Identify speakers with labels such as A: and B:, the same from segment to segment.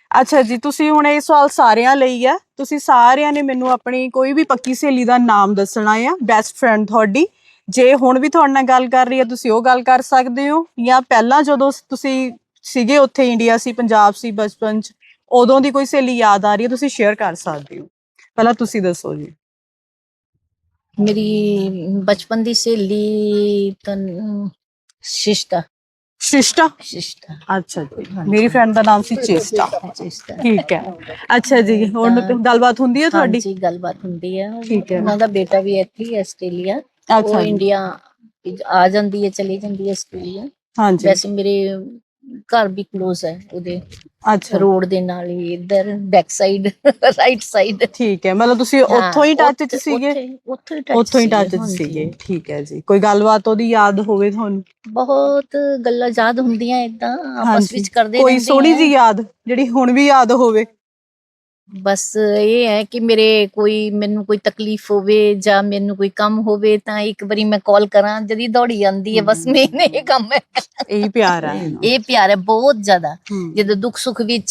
A: ਅੱਛਾ ਜੀ, ਤੁਸੀਂ ਹੁਣ ਇਹ ਸਵਾਲ ਸਾਰਿਆਂ ਲਈ ਆ। ਤੁਸੀਂ ਸਾਰਿਆਂ ਨੇ ਮੈਨੂੰ ਆਪਣੀ ਕੋਈ ਵੀ ਪੱਕੀ ਸਹੇਲੀ ਦਾ ਨਾਮ ਦੱਸਣਾ ਆ, ਬੈਸਟ ਫਰੈਂਡ ਤੁਹਾਡੀ। ਜੇ ਹੁਣ ਵੀ ਤੁਹਾਡੇ ਨਾਲ ਗੱਲ ਕਰ ਰਹੀ ਹੈ ਤੁਸੀਂ ਉਹ ਗੱਲ ਕਰ ਸਕਦੇ ਹੋ, ਜਾਂ ਪਹਿਲਾਂ ਜਦੋਂ ਤੁਸੀਂ ਸੀਗੇ ਉੱਥੇ ਇੰਡੀਆ ਸੀ, ਪੰਜਾਬ ਸੀ, ਬਚਪਨ 'ਚ ਉਦੋਂ ਦੀ ਕੋਈ ਸਹੇਲੀ ਯਾਦ ਆ ਰਹੀ ਹੈ ਤੁਸੀਂ ਸ਼ੇਅਰ ਕਰ ਸਕਦੇ ਹੋ। ਪਹਿਲਾਂ ਤੁਸੀਂ ਦੱਸੋ ਜੀ।
B: ਮੇਰੀ ਬਚਪਨ ਦੀ ਸਹੇਲੀ ਤਾਂ ਸ਼ਿਸ਼ਟਾ।
A: ਸ਼ਿਸ਼ਟਾ?
B: ਸ਼ਿਸ਼ਟਾ,
A: ਅੱਛਾ ਜੀ, ਮੇਰੀ ਫਰੈਂਡ ਦਾ ਨਾਮ ਸੀ ਚੇਸਟਾ।
B: ਸ਼ਿਸ਼ਟਾ।
A: ਠੀਕ ਹੈ। ਅੱਛਾ ਜੀ, ਹੁਣ ਗੱਲਬਾਤ ਹੁੰਦੀ ਹੈ ਤੁਹਾਡੀ?
B: ਹਾਂਜੀ, ਗੱਲਬਾਤ ਹੁੰਦੀ ਹੈ।
A: ਠੀਕ ਹੈ।
B: ਉਹਨਾਂ ਦਾ ਬੇਟਾ ਵੀ ਇੱਥੇ ਹੀ ਹੈ, ਆਸਟ੍ਰੇਲੀਆ। ਉਹ
A: ਅੱਛਾ ਜੀ।
B: ਇੰਡੀਆ ਆ ਜਾਂਦੀ ਹੈ, ਚਲੀ ਜਾਂਦੀ ਹੈ ਆਸਟ੍ਰੇਲੀਆ।
A: ਹਾਂਜੀ।
B: ਵੈਸੇ ਮੇਰੇ ਘਰ ਵੀ ਕਲੋਜ਼ ਹੈ ਉਹਦੇ,
A: ਅੱਛਾ,
B: ਰੋਡ ਦੇ ਨਾਲ ਹੀ, ਇੱਧਰ ਬੈਕ ਸਾਈਡ, ਰਾਈਟ ਸਾਈਡ।
A: ਠੀਕ ਹੈ। ਮਤਲਬ ਤੁਸੀਂ ਉੱਥੋਂ ਹੀ ਟੱਚ 'ਚ ਸੀਗੇ? ਉੱਥੋਂ ਹੀ ਟੱਚ 'ਚ ਸੀਗੇ, ਠੀਕ ਹੈ ਜੀ। ਕੋਈ ਗੱਲਬਾਤ ਉਹਦੀ ਯਾਦ ਹੋਵੇ ਤੁਹਾਨੂੰ?
B: ਬਹੁਤ ਗੱਲਾਂ ਯਾਦ ਹੁੰਦੀਆਂ, ਏਦਾਂ ਆਪਸ
A: ਹਾਂਜੀ,
B: ਵਿੱਚ ਕਰਦੇ
A: ਕੋਈ
B: ਰਹਿੰਦੇ
A: ਸੋਹਣੀ
B: ਆ।
A: ਜੀ ਯਾਦ ਜਿਹੜੀ ਹੁਣ ਵੀ ਯਾਦ ਹੋਵੇ?
B: ਬਸ ਇਹ ਹੈ ਕਿ ਮੈਨੂੰ ਕੋਈ ਤਕਲੀਫ ਹੋਵੇ ਜਾਂ ਮੈਨੂੰ ਕੋਈ ਕੰਮ ਹੋਵੇ ਤਾਂ ਇੱਕ ਵਾਰੀ ਮੈਂ ਕਾਲ ਕਰਾਂ, ਜਦੀ ਦੌੜੀ ਆਉਂਦੀ ਹੈ। ਬਸ ਮੇਨ ਇਹ ਕੰਮ ਹੈ।
A: ਇਹੀ ਪਿਆਰ ਹੈ।
B: ਇਹ ਪਿਆਰ ਹੈ ਬਹੁਤ ਜ਼ਿਆਦਾ। ਜਦੋਂ ਦੁੱਖ ਸੁੱਖ ਵਿੱਚ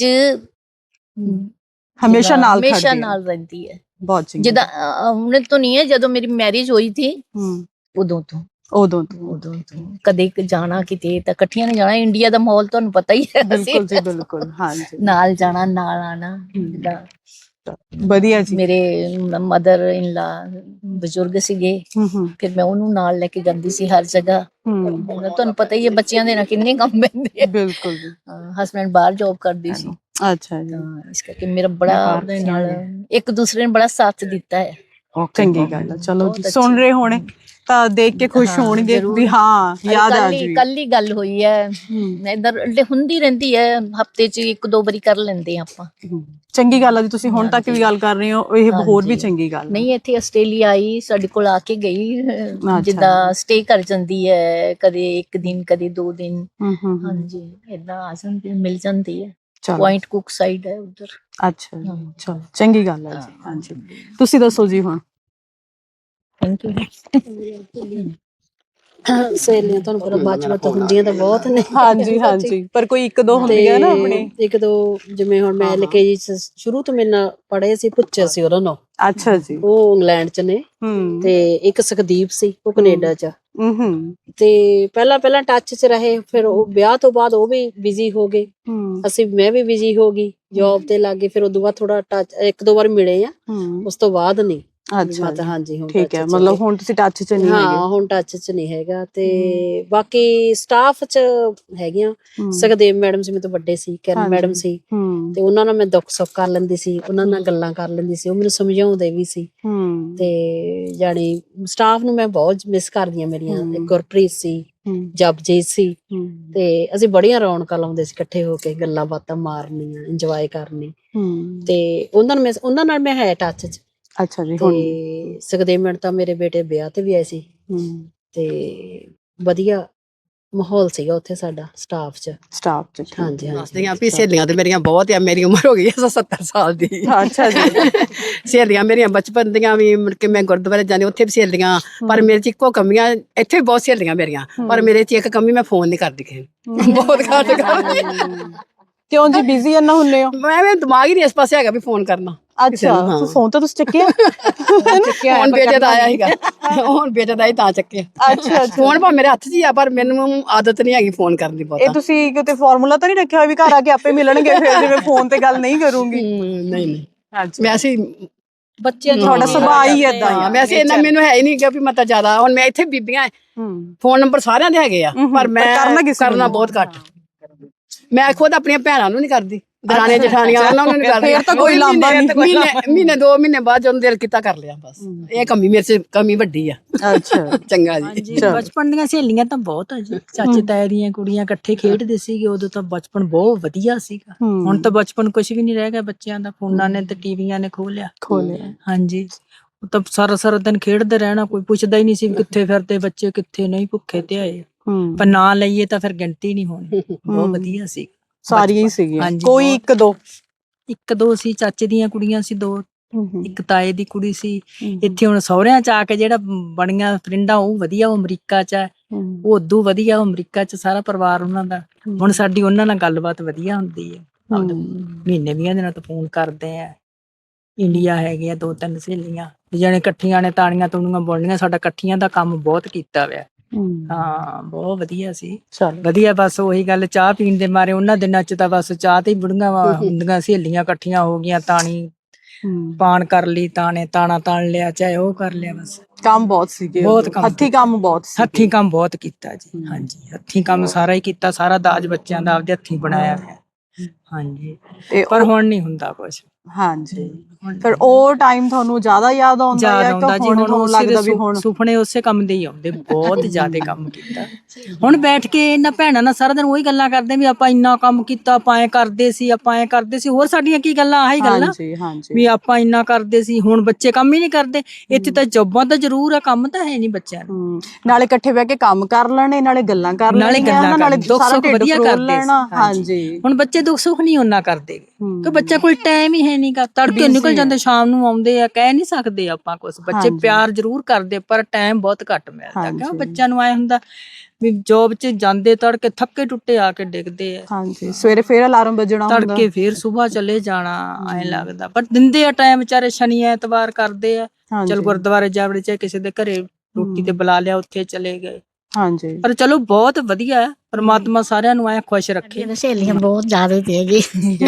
A: ਹਮੇਸ਼ਾ ਨਾਲ
B: ਰਹਿੰਦੀ ਹੈ।
A: ਬਹੁਤ ਚੰਗੀ।
B: ਜਿੱਦਾਂ ਹੁਣ ਤੋਂ ਨਹੀਂ ਹੈ, ਜਦੋਂ ਮੇਰੀ ਮੈਰਿਜ ਹੋਈ ਥੀ ਉਦੋਂ ਤੋਂ ਕਦੇ ਜਾਣਾ ਕਿਤੇ ਤਾਂ ਇਕੱਠੀਆਂ ਨੇ ਜਾਣਾ। ਇੰਡੀਆ ਦਾ ਮਾਹੌਲ ਤੁਹਾਨੂੰ ਪਤਾ ਹੀ ਹੈ।
A: ਬਿਲਕੁਲ ਜੀ, ਬਿਲਕੁਲ। ਹਾਂਜੀ,
B: ਨਾਲ ਜਾਣਾ, ਨਾਲ ਆਣਾ। ਜਿੱਦਾਂ
A: ਵਧੀਆ ਜੀ।
B: ਮੇਰੇ ਮਦਰ ਇਨ ਲਾ ਬਜ਼ੁਰਗ ਸੀਗੇ, ਫਿਰ ਮੈਂ ਉਹਨੂੰ ਨਾਲ ਲੈ ਕੇ ਜਾਂਦੀ ਸੀ ਹਰ ਜਗ੍ਹਾ। ਤੁਹਾਨੂੰ ਪਤਾ ਹੀ ਹੈ ਬੱਚਿਆਂ ਦੇ ਨਾਲ ਕਿੰਨੇ ਕੰਮ ਪੈਂਦੇ ਆ।
A: ਬਿਲਕੁਲ ਜੀ।
B: ਹਸਬੈਂਡ ਬਾਹਰ ਜੋਬ ਕਰਦੀ ਸੀ,
A: ਅੱਛਾ ਜੀ।
B: ਤਾਂ ਇਸ ਕਰਕੇ ਮੇਰਾ ਬੜਾ ਉਹਦੇ ਨਾਲ ਇੱਕ ਦੂਸਰੇ ਨੇ ਬੜਾ ਸਾਥ ਦਿੱਤਾ ਹੈ।
A: ਚੰਗੀ ਗੱਲ ਹੈ। ਚਲੋ ਜੀ, ਸੁਣ ਰਹੇ ਹੋਣੇ ਤਾਂ ਦੇਖ ਕੇ ਖੁਸ਼ ਹੋਣਗੇ ਵੀ ਹਾਂ ਯਾਦ ਆ ਜੂਗੀ।
B: ਕੱਲ ਹੀ ਗੱਲ ਹੋਈ ਹੈ, ਇੱਧਰ ਹੁੰਦੀ ਰਹਿੰਦੀ ਹੈ, ਹਫਤੇ 'ਚ ਇੱਕ ਦੋ ਵਾਰੀ ਕਰ ਲੈਂਦੇ ਆ ਆਪਾਂ।
A: ਚੰਗੀ ਗੱਲ ਆ ਜੀ, ਤੁਸੀਂ ਹੁਣ ਤੱਕ ਵੀ ਗੱਲ ਕਰ ਰਹੇ ਹੋ, ਇਹ ਹੋਰ ਵੀ ਚੰਗੀ ਗੱਲ।
B: ਨਹੀਂ, ਇੱਥੇ ਆਸਟ੍ਰੇਲੀਆ ਆਈ, ਸਾਡੇ ਕੋਲ ਆ ਕੇ ਗਈ, ਜਿੱਦਾਂ ਸਟੇ ਕਰ ਜਾਂਦੀ ਹੈ, ਕਦੇ ਇੱਕ ਦਿਨ ਕਦੇ 2 ਦਿਨ। ਹਾਂਜੀ, ਏਦਾਂ ਆ ਜਾਂਦੀ, ਮਿਲ ਜਾਂਦੀ ਹੈ। ਪੁਆਇੰਟ ਕੁਕ ਸਾਈਡ ਹੈ ਉਧਰ।
A: ਅੱਛਾ, ਚਲੋ ਚੰਗੀ ਗੱਲ ਹੈ ਜੀ। ਹਾਂਜੀ, ਤੁਸੀਂ ਦੱਸੋ ਜੀ ਹੁਣ।
B: Thank you.
C: ਸਹੇਲੀਆਂ ਤੁਹਾਨੂੰ ਪਤਾ ਬਚਪਨ ਤੋਂ ਹੁੰਦੀਆਂ ਤਾਂ ਬਹੁਤ ਨੇ।
A: ਹਾਂਜੀ ਹਾਂਜੀ, ਪਰ ਕੋਈ ਇੱਕ ਦੋ ਹੁੰਦੀਆਂ ਨਾ ਆਪਣੇ।
C: ਇੱਕ ਦੋ ਜਿਵੇਂ ਹੁਣ ਮੈਂ LKG ਸ਼ੁਰੂ ਤੋਂ ਮੇਰੇ ਨਾਲ ਪੜ੍ਹੇ ਸੀ, ਪੁੱਛੇ ਸੀ ਉਹਨਾਂ ਨੂੰ।
A: ਅੱਛਾ ਜੀ।
C: ਉਹ ਇੰਗਲੈਂਡ ਚ ਨੇ, ਤੇ ਇੱਕ ਸੁਖਦੀਪ ਸੀ, ਉਹ ਕੈਨੇਡਾ ਚ। ਤੇ ਪਹਿਲਾਂ ਟੱਚ ਚ ਰਹੇ, ਫਿਰ ਉਹ ਵਿਆਹ ਤੋਂ ਬਾਅਦ ਉਹ ਵੀ ਬਿਜ਼ੀ ਹੋ ਗਏ, ਮੈਂ ਵੀ ਬਿਜ਼ੀ ਹੋ ਗਈ, ਜੋਬ ਤੇ ਲੱਗ ਗਏ। ਫਿਰ ਉਦੋਂ ਬਾਅਦ ਥੋੜਾ ਟੱਚ, ਇੱਕ ਦੋ ਵਾਰ ਮਿਲੇ ਆ, ਉਸ ਤੋਂ ਬਾਅਦ ਨਹੀਂ।
A: ਅੱਛਾ,
C: ਹਾਂਜੀ, ਹੁਣ
A: ਠੀਕ ਹੈ। ਮਤਲਬ ਹੁਣ ਤੁਸੀਂ ਟੱਚ ਚ ਨਹੀਂ ਹੈਗੇ?
C: ਹਾਂ, ਹੁਣ ਟੱਚ ਚ ਨਹੀਂ ਹੈਗਾ। ਤੇ ਬਾਕੀ ਸਟਾਫ ਚ ਹੈਗੀਆਂ। ਸੁਖਦੇਵ ਮੈਡਮ ਸੀ, ਮੇਰੇ ਤੋਂ ਵੱਡੇ ਸੀ, ਕਿਰਨ ਮੈਡਮ ਸੀ, ਤੇ ਉਹਨਾਂ ਨਾਲ ਮੈਂ ਦੁੱਖ ਸੁੱਖ ਕਰ ਲੈਂਦੀ ਸੀ, ਉਹਨਾਂ ਨਾਲ ਗੱਲਾਂ ਕਰ ਲੈਂਦੀ ਸੀ, ਉਹ ਮੈਨੂੰ ਸਮਝਾਉਂਦੇ ਵੀ ਸੀ। ਤੇ ਜਾਣੀ ਸਟਾਫ ਨੂੰ ਮੈਂ ਬਹੁਤ ਮਿਸ ਕਰਦੀ ਹਾਂ। ਮੇਰੀਆਂ ਗੁਰਪ੍ਰੀਤ ਸੀ, ਜਪਜੀਤ ਸੀ, ਤੇ ਅਸੀਂ ਬੜੀਆਂ ਰੌਣਕਾਂ ਲਾਉਂਦੇ ਸੀ ਇਕੱਠੇ ਹੋ ਕੇ, ਗੱਲਾਂ ਬਾਤਾਂ ਮਾਰਨੀਆਂ, ਇੰਜੋਏ ਕਰਨੀ। ਤੇ ਉਹਨਾਂ ਨਾਲ ਮੈਂ ਹੈ ਟੱਚ ਚ।
A: ਅੱਛਾ ਜੀ।
C: ਤੇ ਸੁਖਦੇਵ ਮੈਡਮ ਤਾਂ ਮੇਰੇ ਬੇਟੇ ਵਿਆਹ ਤੇ ਵੀ ਆਏ ਸੀ, ਤੇ ਵਧੀਆ ਮਾਹੌਲ ਸੀਗਾ ਉੱਥੇ ਸਾਡਾ ਸਟਾਫ ਚ। ਹਾਂਜੀ
D: ਹਾਂਜੀ। ਸਹੇਲੀਆਂ ਤੇ ਮੇਰੀਆਂ ਬਹੁਤ ਆ, ਮੇਰੀ ਉਮਰ ਹੋ ਗਈ 70 ਸਾਲ ਦੀ।
A: ਅੱਛਾ ਜੀ।
D: ਸਹੇਲੀਆਂ ਮੇਰੀਆਂ ਬਚਪਨ ਦੀਆਂ ਵੀ, ਮੁੜ ਕੇ ਮੈਂ ਗੁਰਦੁਆਰੇ ਜਾਂਦੀ ਉੱਥੇ ਵੀ ਸਹੇਲੀਆਂ। ਪਰ ਮੇਰੇ ਚ ਇੱਕੋ ਕਮੀਆਂ, ਇੱਥੇ ਵੀ ਬਹੁਤ ਸਹੇਲੀਆਂ ਮੇਰੀਆਂ, ਪਰ ਮੇਰੇ ਚ ਇੱਕ ਕਮੀ, ਮੈਂ ਫੋਨ ਨੀ ਕਰਦੀ ਕਿਸੇ ਨੂੰ, ਬਹੁਤ ਘੱਟ ਕਰਦੀ।
A: ਕਿਉਂ ਜੀ, ਬਿਜ਼ੀ ਇੰਨਾ ਹੁੰਨੇ ਹੋ?
D: ਮੈਂ ਦਿਮਾਗ ਹੀ ਨਹੀਂ ਇਸ ਪਾਸੇ ਹੈਗਾ ਵੀ ਫੋਨ ਕਰਨਾ।
A: ਅੱਛਾ, ਫੋਨ ਤਾਂ ਤੁਸੀਂ ਚੱਕਿਆ?
D: ਹੁਣ ਬੇਟੇ ਦਾ ਆਇਆ ਸੀਗਾ, ਹੁਣ ਬੇਟੇ ਦਾ ਹੀ ਤਾਂ ਚੱਕਿਆ।
A: ਅੱਛਾ,
D: ਫੋਨ ਭਾਵੇਂ ਮੇਰੇ ਹੱਥ 'ਚ ਹੀ ਆ, ਪਰ ਮੈਨੂੰ ਆਦਤ ਨਹੀਂ ਹੈਗੀ ਫੋਨ ਕਰਨ ਦੀ ਬਹੁਤ।
A: ਇਹ ਤੁਸੀਂ ਕਿਤੇ ਫਾਰਮੂਲਾ ਤਾਂ ਨਹੀਂ ਰੱਖਿਆ ਹੋਇਆ ਵੀ ਘਰ ਆ ਕੇ ਆਪੇ ਮਿਲਣਗੇ ਫਿਰ, ਜਿਵੇਂ ਫੋਨ ਤੇ ਗੱਲ ਨਹੀਂ ਕਰੂੰਗੀ?
D: ਨਹੀਂ, ਵੈਸੇ
B: ਬੱਚੇ
A: ਤੁਹਾਡਾ ਸੁਭਾਅ ਹੀ ਏਦਾਂ ਆ।
D: ਵੈਸੇ ਇੰਨਾ ਮੈਨੂੰ ਹੈ ਹੀ ਨਹੀਂ ਕਿ ਵੀ ਮਤਾ ਜ਼ਿਆਦਾ। ਹੁਣ ਮੈਂ ਇੱਥੇ ਬੀਬੀਆਂ, ਫੋਨ ਨੰਬਰ ਸਾਰਿਆਂ ਦੇ ਹੈਗੇ ਆ, ਪਰ ਮੈਂ ਕਰਨਾ ਬਹੁਤ ਘੱਟ। ਮੈਂ ਖੁਦ ਆਪਣੀਆਂ ਭੈਣਾਂ ਨੂੰ ਨੀ ਕਰਦੀ, ਦਰਾਣੀਆਂ ਜਠਾਣੀਆਂ ਉਹਨਾਂ ਨੂੰ ਨੀ ਕਰਦੀ।
A: ਫਿਰ ਤਾਂ ਕੋਈ ਲਾਂਭਾ ਨਹੀਂ।
D: ਮਹੀਨੇ 2 ਮਹੀਨੇ ਬਾਅਦ ਜਦੋਂ ਦਿਲ ਕੀਤਾ ਕਰ ਲਿਆ, ਬਸ। ਇਹ ਕਮੀ ਮੇਰੇ ਚ ਕਮੀ ਵੱਡੀ ਆ।
A: ਅੱਛਾ,
D: ਚੰਗਾ ਜੀ।
E: ਬਚਪਨ ਦੀਆਂ ਸਹੇਲੀਆਂ ਤਾਂ ਬਹੁਤ ਆ ਜੀ, ਚਾਚੇ ਤਾਏ ਦੀਆਂ ਕੁੜੀਆਂ ਇਕੱਠੇ ਖੇਡਦੇ ਸੀਗੇ, ਉਦੋਂ ਤਾਂ ਬਚਪਨ ਬਹੁਤ ਵਧੀਆ ਸੀਗਾ। ਹੁਣ ਤਾਂ ਬਚਪਨ ਕੁਛ ਵੀ ਨਹੀਂ ਰਹਿ ਗਿਆ ਬੱਚਿਆਂ ਦਾ, ਫੋਨਾਂ ਨੇ ਤੇ ਟੀਵੀਆਂ ਨੇ ਖੋਹ ਲਿਆ। ਹਾਂਜੀ, ਉਹ ਤਾਂ ਸਾਰਾ ਦਿਨ ਖੇਡਦੇ ਰਹਿਣਾ, ਕੋਈ ਪੁੱਛਦਾ ਹੀ ਨਹੀਂ ਸੀ ਕਿੱਥੇ ਫਿਰਦੇ ਬੱਚੇ, ਕਿੱਥੇ ਨਹੀਂ, ਭੁੱਖੇ ਤੇ ਆਏ। ਪਰ ਨਾਂ ਲਈਏ ਤਾਂ ਫਿਰ ਗਿਣਤੀ ਨਹੀਂ ਹੋਣੀ। ਬਹੁਤ ਵਧੀਆ ਸੀ,
A: ਸਾਰੀਆਂ ਹੀ ਸੀਗੀਆਂ, ਕੋਈ
E: ਇੱਕ ਦੋ ਸੀ। ਚਾਚੇ ਦੀਆਂ ਕੁੜੀਆਂ ਸੀ 2, ਇੱਕ ਤਾਏ ਦੀ ਕੁੜੀ ਸੀ। ਇੱਥੇ ਹੁਣ ਸਹੁਰਿਆਂ ਚ ਆ ਕੇ ਜਿਹੜਾ ਬਣੀਆਂ ਫਰੈਂਡਾਂ, ਉਹ ਵਧੀਆ, ਉਹ ਅਮਰੀਕਾ ਚ ਹੈ, ਉਹ ਉਦੋਂ ਵਧੀਆ, ਉਹ ਅਮਰੀਕਾ ਚ ਸਾਰਾ ਪਰਿਵਾਰ ਉਹਨਾਂ ਦਾ। ਹੁਣ ਸਾਡੀ ਉਹਨਾਂ ਨਾਲ ਗੱਲਬਾਤ ਵਧੀਆ ਹੁੰਦੀ ਹੈ। ਆਪਦੇ ਮਹੀਨੇ 20 ਦਿਨਾਂ ਤੋਂ ਫੋਨ ਕਰਦੇ ਆ। ਇੰਡੀਆ ਹੈਗੇ ਆ 2-3 ਸਹੇਲੀਆਂ ਜਿਹੜੇ ਇਕੱਠੀਆਂ ਨੇ ਤਾਣੀਆਂ ਤੂਣੀਆਂ ਬੋਲਣੀਆਂ। ਸਾਡਾ ਇਕੱਠੀਆਂ ਦਾ ਕੰਮ ਬਹੁਤ ਕੀਤਾ ਹੋਇਆ। ਹਾਂ ਬਹੁਤ ਵਧੀਆ ਸੀ। ਵਧੀਆ ਬਸ ਉਹੀ ਗੱਲ ਚਾਹ ਪੀਣ ਦੇ ਮਾਰੇ ਉਹਨਾਂ ਦਿਨਾਂ ਚ ਤਾਂ ਬਸ ਚਾਹ ਤੇ ਹੀ ਬੁੜੀਆਂ ਹੁੰਦੀਆਂ ਸਹੇਲੀਆਂ ਇਕੱਠੀਆਂ ਹੋ ਗਈਆਂ। ਤਾਣੀ ਪਾਣ ਕਰ ਲਈ, ਤਾਣਾ ਤਾਣ ਲਿਆ, ਚਾਹੇ ਉਹ ਕਰ ਲਿਆ। ਬਸ
A: ਕੰਮ ਬਹੁਤ ਸੀਗੇ,
E: ਬਹੁਤ ਕੰਮ
A: ਹੱਥੀਂ ਕੰਮ ਬਹੁਤ ਸੀ।
E: ਹੱਥੀਂ ਕੰਮ ਬਹੁਤ ਕੀਤਾ ਜੀ। ਹਾਂਜੀ ਹੱਥੀਂ ਕੰਮ ਸਾਰਾ ਹੀ ਕੀਤਾ। ਸਾਰਾ ਦਾਜ ਬੱਚਿਆਂ ਦਾ ਆਪਦੇ ਹੱਥੀਂ ਬਣਾਇਆ ਹੋਇਆ। ਹਾਂਜੀ ਪਰ ਹੁਣ ਨਹੀਂ ਹੁੰਦਾ ਕੁਛ।
A: ਹਾਂਜੀ ਫਿਰ ਉਹ ਟਾਈਮ ਤੁਹਾਨੂੰ ਜ਼ਿਆਦਾ ਯਾਦ ਆਉਂਦਾ ਹੈ ਕਿ ਹੁਣ ਤੁਹਾਨੂੰ ਲੱਗਦਾ ਵੀ ਹੁਣ
E: ਸੁਪਨੇ ਉਸੇ ਕੰਮ ਦੇ ਹੀ ਆਉਂਦੇ। ਬਹੁਤ ਜ਼ਿਆਦਾ ਕੰਮ ਕੀਤਾ। ਹੁਣ ਬੈਠ ਕੇ ਇਹਨਾਂ ਭੈਣਾਂ ਨਾਲ ਸਾਰਾ ਦਿਨ ਉਹੀ ਗੱਲਾਂ ਕਰਦੇ ਵੀ ਆਪਾਂ ਇੰਨਾ ਕੰਮ ਕੀਤਾ, ਆਪਾਂ ਐ ਕਰਦੇ ਸੀ, ਆਪਾਂ ਐ ਕਰਦੇ ਸੀ। ਹੋਰ ਸਾਡੀਆਂ ਕੀ ਗੱਲਾਂ, ਆਹੀ ਗੱਲਾਂ ਵੀ ਆਪਾਂ ਇੰਨਾ ਕਰਦੇ ਸੀ। ਹੁਣ ਬੱਚੇ ਕੰਮ ਹੀ ਨਹੀਂ ਕਰਦੇ। ਇੱਥੇ ਤਾਂ ਜੋਬਾਂ ਤਾਂ ਜ਼ਰੂਰ ਆ, ਕੰਮ ਤਾਂ ਹੈ ਨਹੀਂ ਬੱਚਿਆਂ ਨੂੰ।
A: ਨਾਲੇ ਇਕੱਠੇ ਬਹਿ ਕੇ ਕੰਮ ਕਰ ਲੈਣੇ, ਨਾਲੇ ਗੱਲਾਂ ਕਰ ਲੈਣੀਆਂ, ਨਾਲੇ ਦੁੱਖ ਸੁੱਖ ਵਧੀਆ ਕਰਦੇ ਸੀ। ਹਾਂਜੀ
E: ਹੁਣ ਬੱਚੇ ਦੁੱਖ ਸੁੱਖ ਨਹੀਂ ਉਹਨਾਂ ਕਰਦੇ ਕਿ ਬੱਚਾ ਕੋਈ ਟਾਈਮ ਹੀ ਹੈ ਨਹੀਂ ਗਾ। ਤੜਕੇ ਨਿਕਲ ਜਾਂਦੇ, ਸ਼ਾਮ ਨੂੰ ਆਉਂਦੇ ਆ। ਕਹਿ ਨਹੀਂ ਸਕਦੇ ਆਪਾਂ ਕੁਛ। ਬੱਚੇ ਪਿਆਰ ਜ਼ਰੂਰ ਕਰਦੇ ਪਰ ਟਾਈਮ ਬਹੁਤ ਘੱਟ ਮਿਲਦਾ। ਕਿਉਂ ਬੱਚਿਆਂ ਨੂੰ ਆਏ ਹੁੰਦਾ ਵੀ ਜੋਬ 'ਚ ਜਾਂਦੇ ਤੜਕੇ ਥੱਕੇ ਟੁੱਟੇ ਆ ਕੇ ਡਿੱਗਦੇ ਆ।
A: ਹਾਂਜੀ ਸਵੇਰੇ ਫੇਰ ਅਲਾਰਮ ਵੱਜਣਾ ਹੁੰਦਾ,
E: ਤੜਕੇ ਫੇਰ ਸੁਬਾਹ ਚਲੇ ਜਾਣਾ। ਐਂ ਲੱਗਦਾ ਪਰ ਦਿੰਦੇ ਆ ਟਾਈਮ ਵਿਚਾਰੇ। ਸ਼ਨੀ ਐਤਵਾਰ ਕਰਦੇ ਆ, ਚਲ ਗੁਰਦੁਆਰੇ ਜਾ ਵੜੇ, ਚਾਹੇ ਕਿਸੇ ਦੇ ਘਰੇ ਰੋਟੀ ਤੇ ਬੁਲਾ ਲਿਆ, ਉੱਥੇ ਚਲੇ ਗਏ।
A: ਹਾਂਜੀ
E: ਪਰ ਚਲੋ ਬਹੁਤ ਵਧੀਆ ਹੈ। ਪਰਮਾਤਮਾ ਸਾਰਿਆਂ ਨੂੰ ਐ ਖੁਸ਼ ਰੱਖੇ।
B: ਸਹੇਲੀਆਂ ਬਹੁਤ ਜ਼ਿਆਦਾ ਤੇ ਜੀ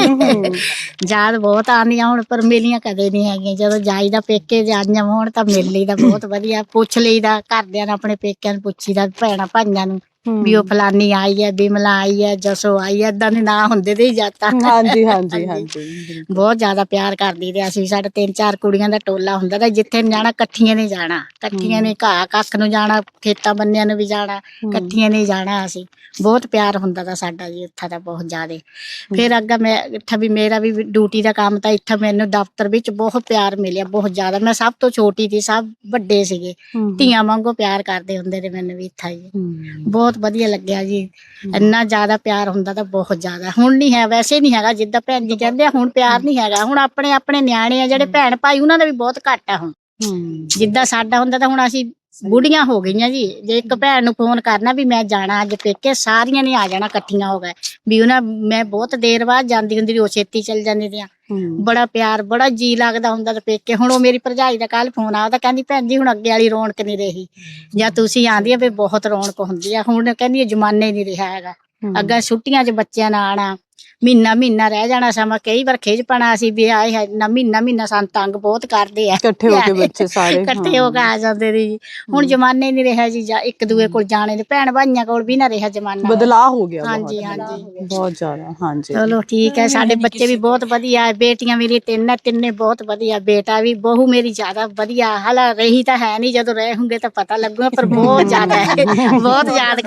B: ਯਾਦ ਬਹੁਤ ਆਉਂਦੀਆਂ ਹੁਣ, ਪਰ ਮਿਲੀਆਂ ਕਦੇ ਨਹੀਂ ਹੈਗੀਆਂ। ਜਦੋਂ ਜਾਈਦਾ ਪੇਕੇ ਜਾਈਆਂ ਹੋਣ ਤਾਂ ਮਿਲ ਲਈਦਾ, ਬਹੁਤ ਵਧੀਆ। ਪੁੱਛ ਲਈਦਾ ਘਰਦਿਆਂ ਨੂੰ, ਆਪਣੇ ਪੇਕਿਆਂ ਨੂੰ ਪੁੱਛੀਦਾ, ਭੈਣਾਂ ਭਾਈਆਂ ਨੂੰ ਵੀ ਉਹ ਫਲਾਨੀ ਆਈ ਹੈ, ਬਿਮਲਾ ਆਈ ਹੈ, ਜਸੋ ਆਈ ਹੈ, ਏਦਾਂ ਦੇ ਨਾਂ ਹੁੰਦੇ ਤੇ ਹੀ ਜਾਤਾ।
A: ਹਾਂਜੀ ਹਾਂਜੀ ਹਾਂਜੀ
B: ਬਹੁਤ ਜ਼ਿਆਦਾ ਪਿਆਰ ਕਰਦੀ ਤੇ ਅਸੀਂ। ਸਾਡੇ 3-4 ਕੁੜੀਆਂ ਦਾ ਟੋਲਾ ਹੁੰਦਾ ਤਾਂ ਜਿੱਥੇ ਨੂੰ ਜਾਣਾ ਇਕੱਠੀਆਂ ਨੇ ਜਾਣਾ, ਇਕੱਠੀਆਂ ਨੇ ਘਾਹ ਕੱਖ ਨੂੰ ਜਾਣਾ, ਖੇਤਾਂ ਬੰਨਿਆਂ ਨੂੰ ਵੀ ਜਾਣਾ, ਇਕੱਠੀਆਂ ਨੇ ਜਾਣਾ। ਅਸੀਂ ਬਹੁਤ ਪਿਆਰ ਹੁੰਦਾ ਤਾਂ ਸਾਡਾ ਜੀ ਉੱਥੇ ਤਾਂ ਬਹੁਤ ਜ਼ਿਆਦਾ। ਫਿਰ ਅੱਗਾ ਮੈਂ ਇੱਥੇ ਵੀ ਮੇਰਾ ਵੀ ਡਿਊਟੀ ਦਾ ਕੰਮ ਤਾਂ ਇੱਥੇ ਮੈਨੂੰ ਦਫ਼ਤਰ ਵਿੱਚ ਬਹੁਤ ਪਿਆਰ ਮਿਲਿਆ, ਬਹੁਤ ਜ਼ਿਆਦਾ। ਮੈਂ ਸਭ ਤੋਂ ਛੋਟੀ ਸੀ, ਸਭ ਵੱਡੇ ਸੀਗੇ, ਧੀਆਂ ਵਾਂਗੂ ਪਿਆਰ ਕਰਦੇ ਹੁੰਦੇ ਨੇ ਮੈਨੂੰ ਵੀ ਇੱਥੇ ਜੀ। ਬਹੁਤ ਵਧੀਆ ਲੱਗਿਆ ਜੀ। ਇੰਨਾ ਜ਼ਿਆਦਾ ਪਿਆਰ ਹੁੰਦਾ ਤਾਂ ਬਹੁਤ ਜ਼ਿਆਦਾ। ਹੁਣ ਨਹੀਂ ਹੈ, ਵੈਸੇ ਨਹੀਂ ਹੈਗਾ। ਜਿੱਦਾਂ ਭੈਣ ਜੀ ਕਹਿੰਦੇ ਆ ਹੁਣ ਪਿਆਰ ਨਹੀਂ ਹੈਗਾ। ਹੁਣ ਆਪਣੇ ਆਪਣੇ ਨਿਆਣੇ ਆ ਜਿਹੜੇ ਭੈਣ ਭਾਈ, ਉਹਨਾਂ ਦਾ ਵੀ ਬਹੁਤ ਘੱਟ ਆ ਹੁਣ। ਜਿੱਦਾਂ ਸਾਡਾ ਹੁੰਦਾ ਤਾਂ ਹੁਣ ਅਸੀਂ ਬੁੜੀਆਂ ਹੋ ਗਈਆਂ ਜੀ। ਜੇ ਇੱਕ ਭੈਣ ਨੂੰ ਫੋਨ ਕਰਨਾ ਵੀ ਮੈਂ ਜਾਣਾ ਅੱਜ ਪੇਕੇ, ਸਾਰੀਆਂ ਨੇ ਆ ਜਾਣਾ ਇਕੱਠੀਆਂ ਹੋ ਗਏ ਵੀ ਉਹਨਾਂ। ਮੈਂ ਬਹੁਤ ਦੇਰ ਬਾਅਦ ਜਾਂਦੀ ਹੁੰਦੀ, ਉਹ ਛੇਤੀ ਚੱਲ ਜਾਂਦੀ ਦੀਆਂ। ਬੜਾ ਪਿਆਰ, ਬੜਾ ਜੀ ਲੱਗਦਾ ਹੁੰਦਾ ਤੇ ਪੇਕੇ। ਹੁਣ ਉਹ ਮੇਰੀ ਭਰਜਾਈ ਦਾ ਕੱਲ ਫੋਨ ਆਇਆ ਤਾਂ ਕਹਿੰਦੀ ਭੈਣ ਜੀ ਹੁਣ ਅੱਗੇ ਵਾਲੀ ਰੌਣਕ ਨਹੀਂ ਰਹੀ, ਜਾਂ ਤੁਸੀਂ ਆਂਦੀ ਆ ਵੀ ਬਹੁਤ ਰੌਣਕ ਹੁੰਦੀ ਆ। ਹੁਣ ਕਹਿੰਦੀ ਜ਼ਮਾਨੇ ਨਹੀਂ ਰਿਹਾ ਹੈਗਾ। ਅੱਗਾ ਛੁੱਟੀਆਂ 'ਚ ਬੱਚਿਆਂ ਨਾਲ ਆਉਣਾ, ਮਹੀਨਾ ਰਹਿ ਜਾਣਾ ਸਮਾਂ। ਕਈ ਵਾਰ ਖਿਝ ਪੈਣਾ ਸੀ ਵੀ ਆਏ ਹੈ ਨਾ, ਮਹੀਨਾ ਸਾਨੂੰ ਤੰਗ ਬਹੁਤ ਕਰਦੇ ਆ।
A: ਇਕੱਠੇ ਹੋ ਕੇ ਬੱਚੇ ਸਾਰੇ
B: ਇਕੱਠੇ ਹੋ ਕੇ ਆ ਜਾਂਦੇ ਨੇ ਜੀ। ਹੁਣ ਜ਼ਮਾਨੇ ਨਹੀਂ ਰਿਹਾ ਜੀ, ਜਾਂ ਇੱਕ ਦੂਏ ਕੋਲ ਜਾਣੇ ਦੇ, ਭੈਣ ਭਾਈਆਂ ਕੋਲ ਵੀ ਨਾ ਰਿਹਾ ਜ਼ਮਾਨਾ।
A: ਬਦਲਾਅ ਹੋ ਗਿਆ
B: ਹਾਂਜੀ ਹਾਂਜੀ
A: ਬਹੁਤ ਜ਼ਿਆਦਾ। ਹਾਂਜੀ
B: ਚਲੋ ਠੀਕ ਹੈ। ਸਾਡੇ ਬੱਚੇ ਵੀ ਬਹੁਤ ਵਧੀਆ, ਬੇਟੀਆਂ ਮੇਰੀ ਤਿੰਨੇ ਬਹੁਤ ਵਧੀਆ। ਬੇਟਾ ਵੀ, ਬਹੂ ਮੇਰੀ ਜ਼ਿਆਦਾ ਵਧੀਆ। ਹਾਲਾ ਰਹੀ ਤਾਂ ਹੈ ਨਹੀਂ, ਜਦੋਂ ਰਹੇ ਹੋਂਗੇ ਤਾਂ ਪਤਾ ਲੱਗੂਗਾ, ਪਰ ਬਹੁਤ ਜ਼ਿਆਦਾ ਹੈ। ਬਹੁਤ ਯਾਦ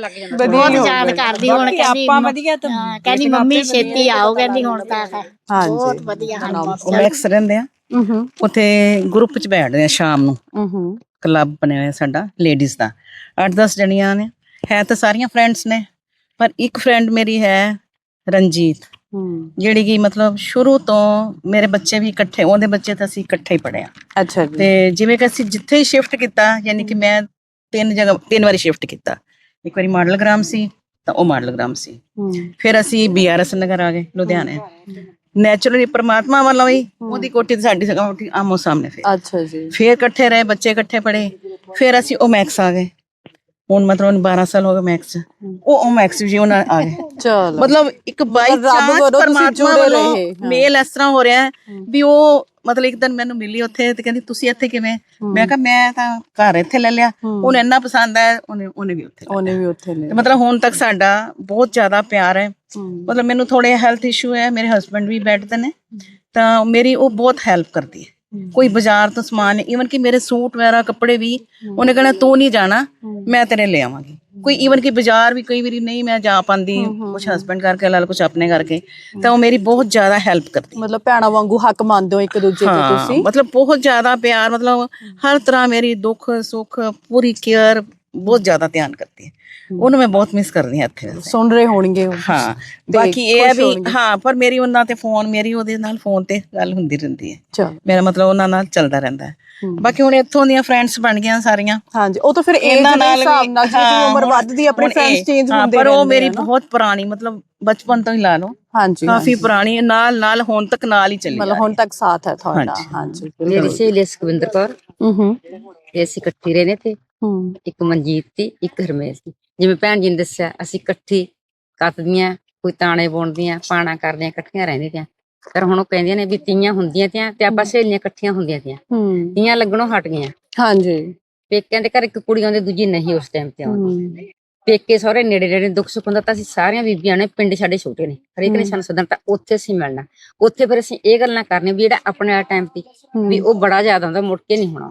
B: ਕਰਦੀ। ਹੁਣ ਕਹਿੰਦੀ ਮੰਮੀ ਛੇਤੀ ਆਓ, ਕਹਿੰਦੀ ਹੁਣ ਤਾਂ। ਬਹੁਤ ਵਧੀਆ।
F: ਮੈਕਸ ਰਹਿੰਦੇ ਆ ਉੱਥੇ, ਗਰੁੱਪ ਚ ਬੈਠਦੇ ਆ ਸ਼ਾਮ ਨੂੰ। ਕਲੱਬ ਬਣਿਆ ਹੋਇਆ ਸਾਡਾ ਲੇਡੀਜ਼ ਦਾ, 8-10 ਜਣੀਆਂ ਨੇ। ਹੈ ਤਾਂ ਸਾਰੀਆਂ ਫਰੈਂਡਸ ਨੇ, ਪਰ ਇੱਕ ਫਰੈਂਡ ਮੇਰੀ ਹੈ ਰਣਜੀਤ, ਜਿਹੜੀ ਕਿ ਮਤਲਬ ਸ਼ੁਰੂ ਤੋਂ ਮੇਰੇ ਬੱਚੇ ਵੀ ਇਕੱਠੇ, ਉਹਦੇ ਬੱਚੇ ਤਾਂ ਅਸੀਂ ਇਕੱਠੇ ਹੀ ਪੜ੍ਹੇ ਆ।
A: ਅੱਛਾ ਜੀ।
F: ਤੇ ਜਿਵੇਂ ਕਿ ਅਸੀਂ ਜਿੱਥੇ ਹੀ ਸ਼ਿਫਟ ਕੀਤਾ, ਯਾਨੀ ਕਿ ਮੈਂ 3 ਵਾਰੀ ਸ਼ਿਫਟ ਕੀਤਾ। ਇੱਕ ਵਾਰੀ ਮਾਡਲ ਗ੍ਰਾਮ ਸੀ ਤਾਂ ਉਹ ਮਾਡਲ ਗ੍ਰਾਮ ਸੀ। ਫਿਰ ਅਸੀਂ BRS ਨਗਰ ਆ ਗਏ ਲੁਧਿਆਣੇ। ਨੈਚੁਰਲੀ ਪਰਮਾਤਮਾ ਵੱਲੋਂ ਹੀ ਉਹਦੀ ਕੋਠੀ ਤੇ ਸਾਡੀ ਕੋਠੀ ਆਮੋ ਸਾਹਮਣੇ। ਫਿਰ
A: ਅੱਛਾ ਜੀ।
F: ਫਿਰ ਇਕੱਠੇ ਰਹੇ, ਬੱਚੇ ਇਕੱਠੇ ਪੜ੍ਹੇ। ਫਿਰ ਅਸੀਂ ਉਹ ਮੈਕਸ ਆ ਗਏ। ਹੁਣ ਮਤਲਬ 12 ਸਾਲ ਹੋ ਗਏ ਮੈਕਸ। ਉਹ ਮੈਕਸ ਵੀ ਉਹਨਾਂ ਆ ਗਏ।
A: ਚਲੋ
F: ਮਤਲਬ ਇੱਕ ਬਾਈ ਚਾਂਸ ਪਰਮਾਤਮਾ ਵੱਲੋਂ ਮੇਲ ਇਸ ਤਰ੍ਹਾਂ ਹੋ ਰਿਹਾ ਵੀ ਉਹ ਮਤਲਬ ਇੱਕ ਦਿਨ ਮੈਨੂੰ ਮਿਲੀ ਉੱਥੇ ਤੇ ਕਹਿੰਦੀ ਤੁਸੀਂ ਇੱਥੇ ਕਿਵੇਂ? ਮੈਂ ਕਿਹਾ ਮੈਂ ਤਾਂ ਘਰ ਇੱਥੇ ਲੈ ਲਿਆ, ਉਹਨੂੰ ਇੰਨਾ ਪਸੰਦ ਆਇਆ, ਉਹਨੇ ਵੀ ਉੱਥੇ ਲੈ ਲਿਆ। ਮਤਲਬ ਹੁਣ ਤੱਕ ਸਾਡਾ ਬਹੁਤ ਜ਼ਿਆਦਾ ਪਿਆਰ ਹੈ। ਮਤਲਬ ਮੈਨੂੰ ਥੋੜੇ ਹੈਲਥ ਇਸ਼ੂ ਹੈ, ਮੇਰੇ ਹਸਬੈਂਡ ਵੀ ਬੈਠ ਤੇ ਨੇ, ਤਾਂ ਮੇਰੀ ਉਹ ਬਹੁਤ ਹੈਲਪ ਕਰਦੀ ਹੈ। ਕੋਈ ਬਾਜ਼ਾਰ ਤੋਂ ਸਮਾਨ, ਈਵਨ ਕਿ ਮੇਰੇ ਸੂਟ ਵਗੈਰਾ ਕੱਪੜੇ ਵੀ ਉਹਨੇ ਕਹਿਣਾ ਤੂੰ ਨਹੀਂ ਜਾਣਾ, ਮੈਂ ਤੇਰੇ ਲੈ ਆਵਾਂਗੀ। ਕੋਈ ਈਵਨ ਕਿ ਬਾਜ਼ਾਰ ਵੀ ਕਈ ਵਾਰੀ ਨਹੀਂ ਮੈਂ ਜਾ ਪਾਉਂਦੀ, ਕੁਛ ਹਸਬੈਂਡ ਕਰਕੇ ਲਾ ਲਓ, ਕੁਛ ਆਪਣੇ ਕਰਕੇ, ਤਾਂ ਉਹ ਮੇਰੀ ਬਹੁਤ ਜ਼ਿਆਦਾ ਹੈਲਪ ਕਰਦੀ।
A: ਮਤਲਬ ਭੈਣਾਂ ਵਾਂਗੂ ਹੱਕ ਮੰਨਦੇ ਹੋ ਇੱਕ ਦੂਜੇ ਤੇ ਤੁਸੀਂ।
F: ਮਤਲਬ ਬਹੁਤ ਜ਼ਿਆਦਾ ਪਿਆਰ, ਮਤਲਬ ਹਰ ਤਰ੍ਹਾਂ ਮੇਰੀ ਦੁੱਖ ਸੁੱਖ ਪੂਰੀ ਕੇਅਰ, ਬਹੁਤ ਜ਼ਿਆਦਾ ਧਿਆਨ ਕਰਦੀ ਹੈ। ਉਹਨੂੰ ਮੈਂ ਬਹੁਤ ਮਿਸ ਕਰਦੀ ਹਾਂ ਇੱਥੇ ਵੈਸੇ।
A: ਸੁਣ ਰਹੇ ਹੋਣਗੇ ਉਹ।
F: ਹਾਂ ਬਾਕੀ ਇਹ ਹੈ ਵੀ ਹਾਂ, ਪਰ ਮੇਰੀ ਉਹਨਾਂ ਤੇ ਫੋਨ, ਮੇਰੀ ਉਹਦੇ ਨਾਲ ਫੋਨ ਤੇ ਗੱਲ ਹੁੰਦੀ ਰਹਿੰਦੀ ਹੈ। ਮੇਰਾ ਮਤਲਬ ਉਹਨਾਂ ਨਾਲ ਚੱਲਦਾ ਰਹਿੰਦਾ ਹੈ। ਬਾਕੀ ਹੁਣ ਇੱਥੋਂ ਦੀਆਂ ਫਰੈਂਡਸ ਬਣ ਗਈਆਂ ਸਾਰੀਆਂ।
A: ਹਾਂਜੀ, ਉਹ ਤਾਂ ਫਿਰ ਏਜ ਦੇ ਹਿਸਾਬ ਨਾਲ ਜਿਵੇਂ ਉਮਰ ਵੱਧਦੀ ਆਪਣੇ ਫਰੈਂਡਸ ਚੇਂਜ ਹੁੰਦੇ
F: ਪਰ ਉਹ ਮੇਰੀ ਬਹੁਤ ਪੁਰਾਣੀ, ਮਤਲਬ ਬਚਪਨ ਤੋਂ ਹੀ ਲਾ ਲਓ,
A: ਹਾਂਜੀ
F: ਕਾਫੀ ਪੁਰਾਣੀ, ਨਾਲ ਹੁਣ ਤੱਕ ਨਾਲ ਹੀ ਚੱਲੀ,
A: ਮਤਲਬ ਹੁਣ ਤੱਕ ਸਾਥ ਹੈ ਤੁਹਾਡਾ। ਹਾਂਜੀ,
G: ਮੇਰੀ ਸਹੇਲੀ ਸੁਖਵਿੰਦਰ ਕੌਰ, ਤੇ ਅਸੀਂ ਇਕੱਠੀ ਰਹਿੰਦੇ ਤੇ ਇੱਕ ਮਨਜੀਤ ਸੀ, ਇੱਕ ਹਰਮੇਸ਼ ਸੀ। ਜਿਵੇਂ ਭੈਣ ਜੀ ਨੇ ਦੱਸਿਆ, ਅਸੀਂ ਇਕੱਠੀ ਕੱਤਦੀਆਂ, ਕੋਈ ਤਾਣੇ ਬੁਣਦੀਆਂ, ਪਾਣਾ ਕਰਦੀਆਂ, ਇਕੱਠੀਆਂ ਰਹਿੰਦੀਆਂ ਤੀਆਂ। ਪਰ ਹੁਣ ਉਹ ਕਹਿੰਦੀਆਂ ਨੇ ਵੀ ਤੀਆਂ ਹੁੰਦੀਆਂ ਤੀਆਂ ਤੇ ਆਪਾਂ ਸਹੇਲੀਆਂ ਇਕੱਠੀਆਂ ਹੁੰਦੀਆਂ ਤੀਆਂ, ਤੀਆਂ ਲੱਗਣੋਂ ਹਟ ਗਈਆਂ।
A: ਹਾਂਜੀ,
G: ਪੇਕਿਆਂ ਦੇ ਘਰ ਇੱਕ ਕੁੜੀ ਆਉਂਦੀ, ਦੂਜੀ ਨਹੀਂ ਉਸ ਟਾਈਮ ਤੇ ਆਉਂਦੀ। ਪੇਕੇ ਸਹੁਰੇ ਨੇੜੇ ਨੇੜੇ, ਦੁੱਖ ਸੁੱਖ ਹੁੰਦਾ ਤਾਂ ਅਸੀਂ ਸਾਰੀਆਂ ਬੀਬੀਆਂ ਨੇ, ਪਿੰਡ ਸਾਡੇ ਛੋਟੇ ਨੇ, ਹਰੇਕ ਨੇ ਸਾਨੂੰ ਸੱਦਣਾ, ਤਾਂ ਉੱਥੇ ਅਸੀਂ ਮਿਲਣਾ। ਉੱਥੇ ਫਿਰ ਅਸੀਂ ਇਹ ਗੱਲਾਂ ਕਰਨੀਆਂ ਵੀ ਜਿਹੜਾ ਆਪਣੇ ਵਾਲਾ ਟਾਈਮ ਸੀ ਵੀ ਉਹ ਬੜਾ ਜ਼ਿਆਦਾ ਹੁੰਦਾ, ਮੁੜ ਕੇ ਨਹੀਂ ਹੋਣਾ।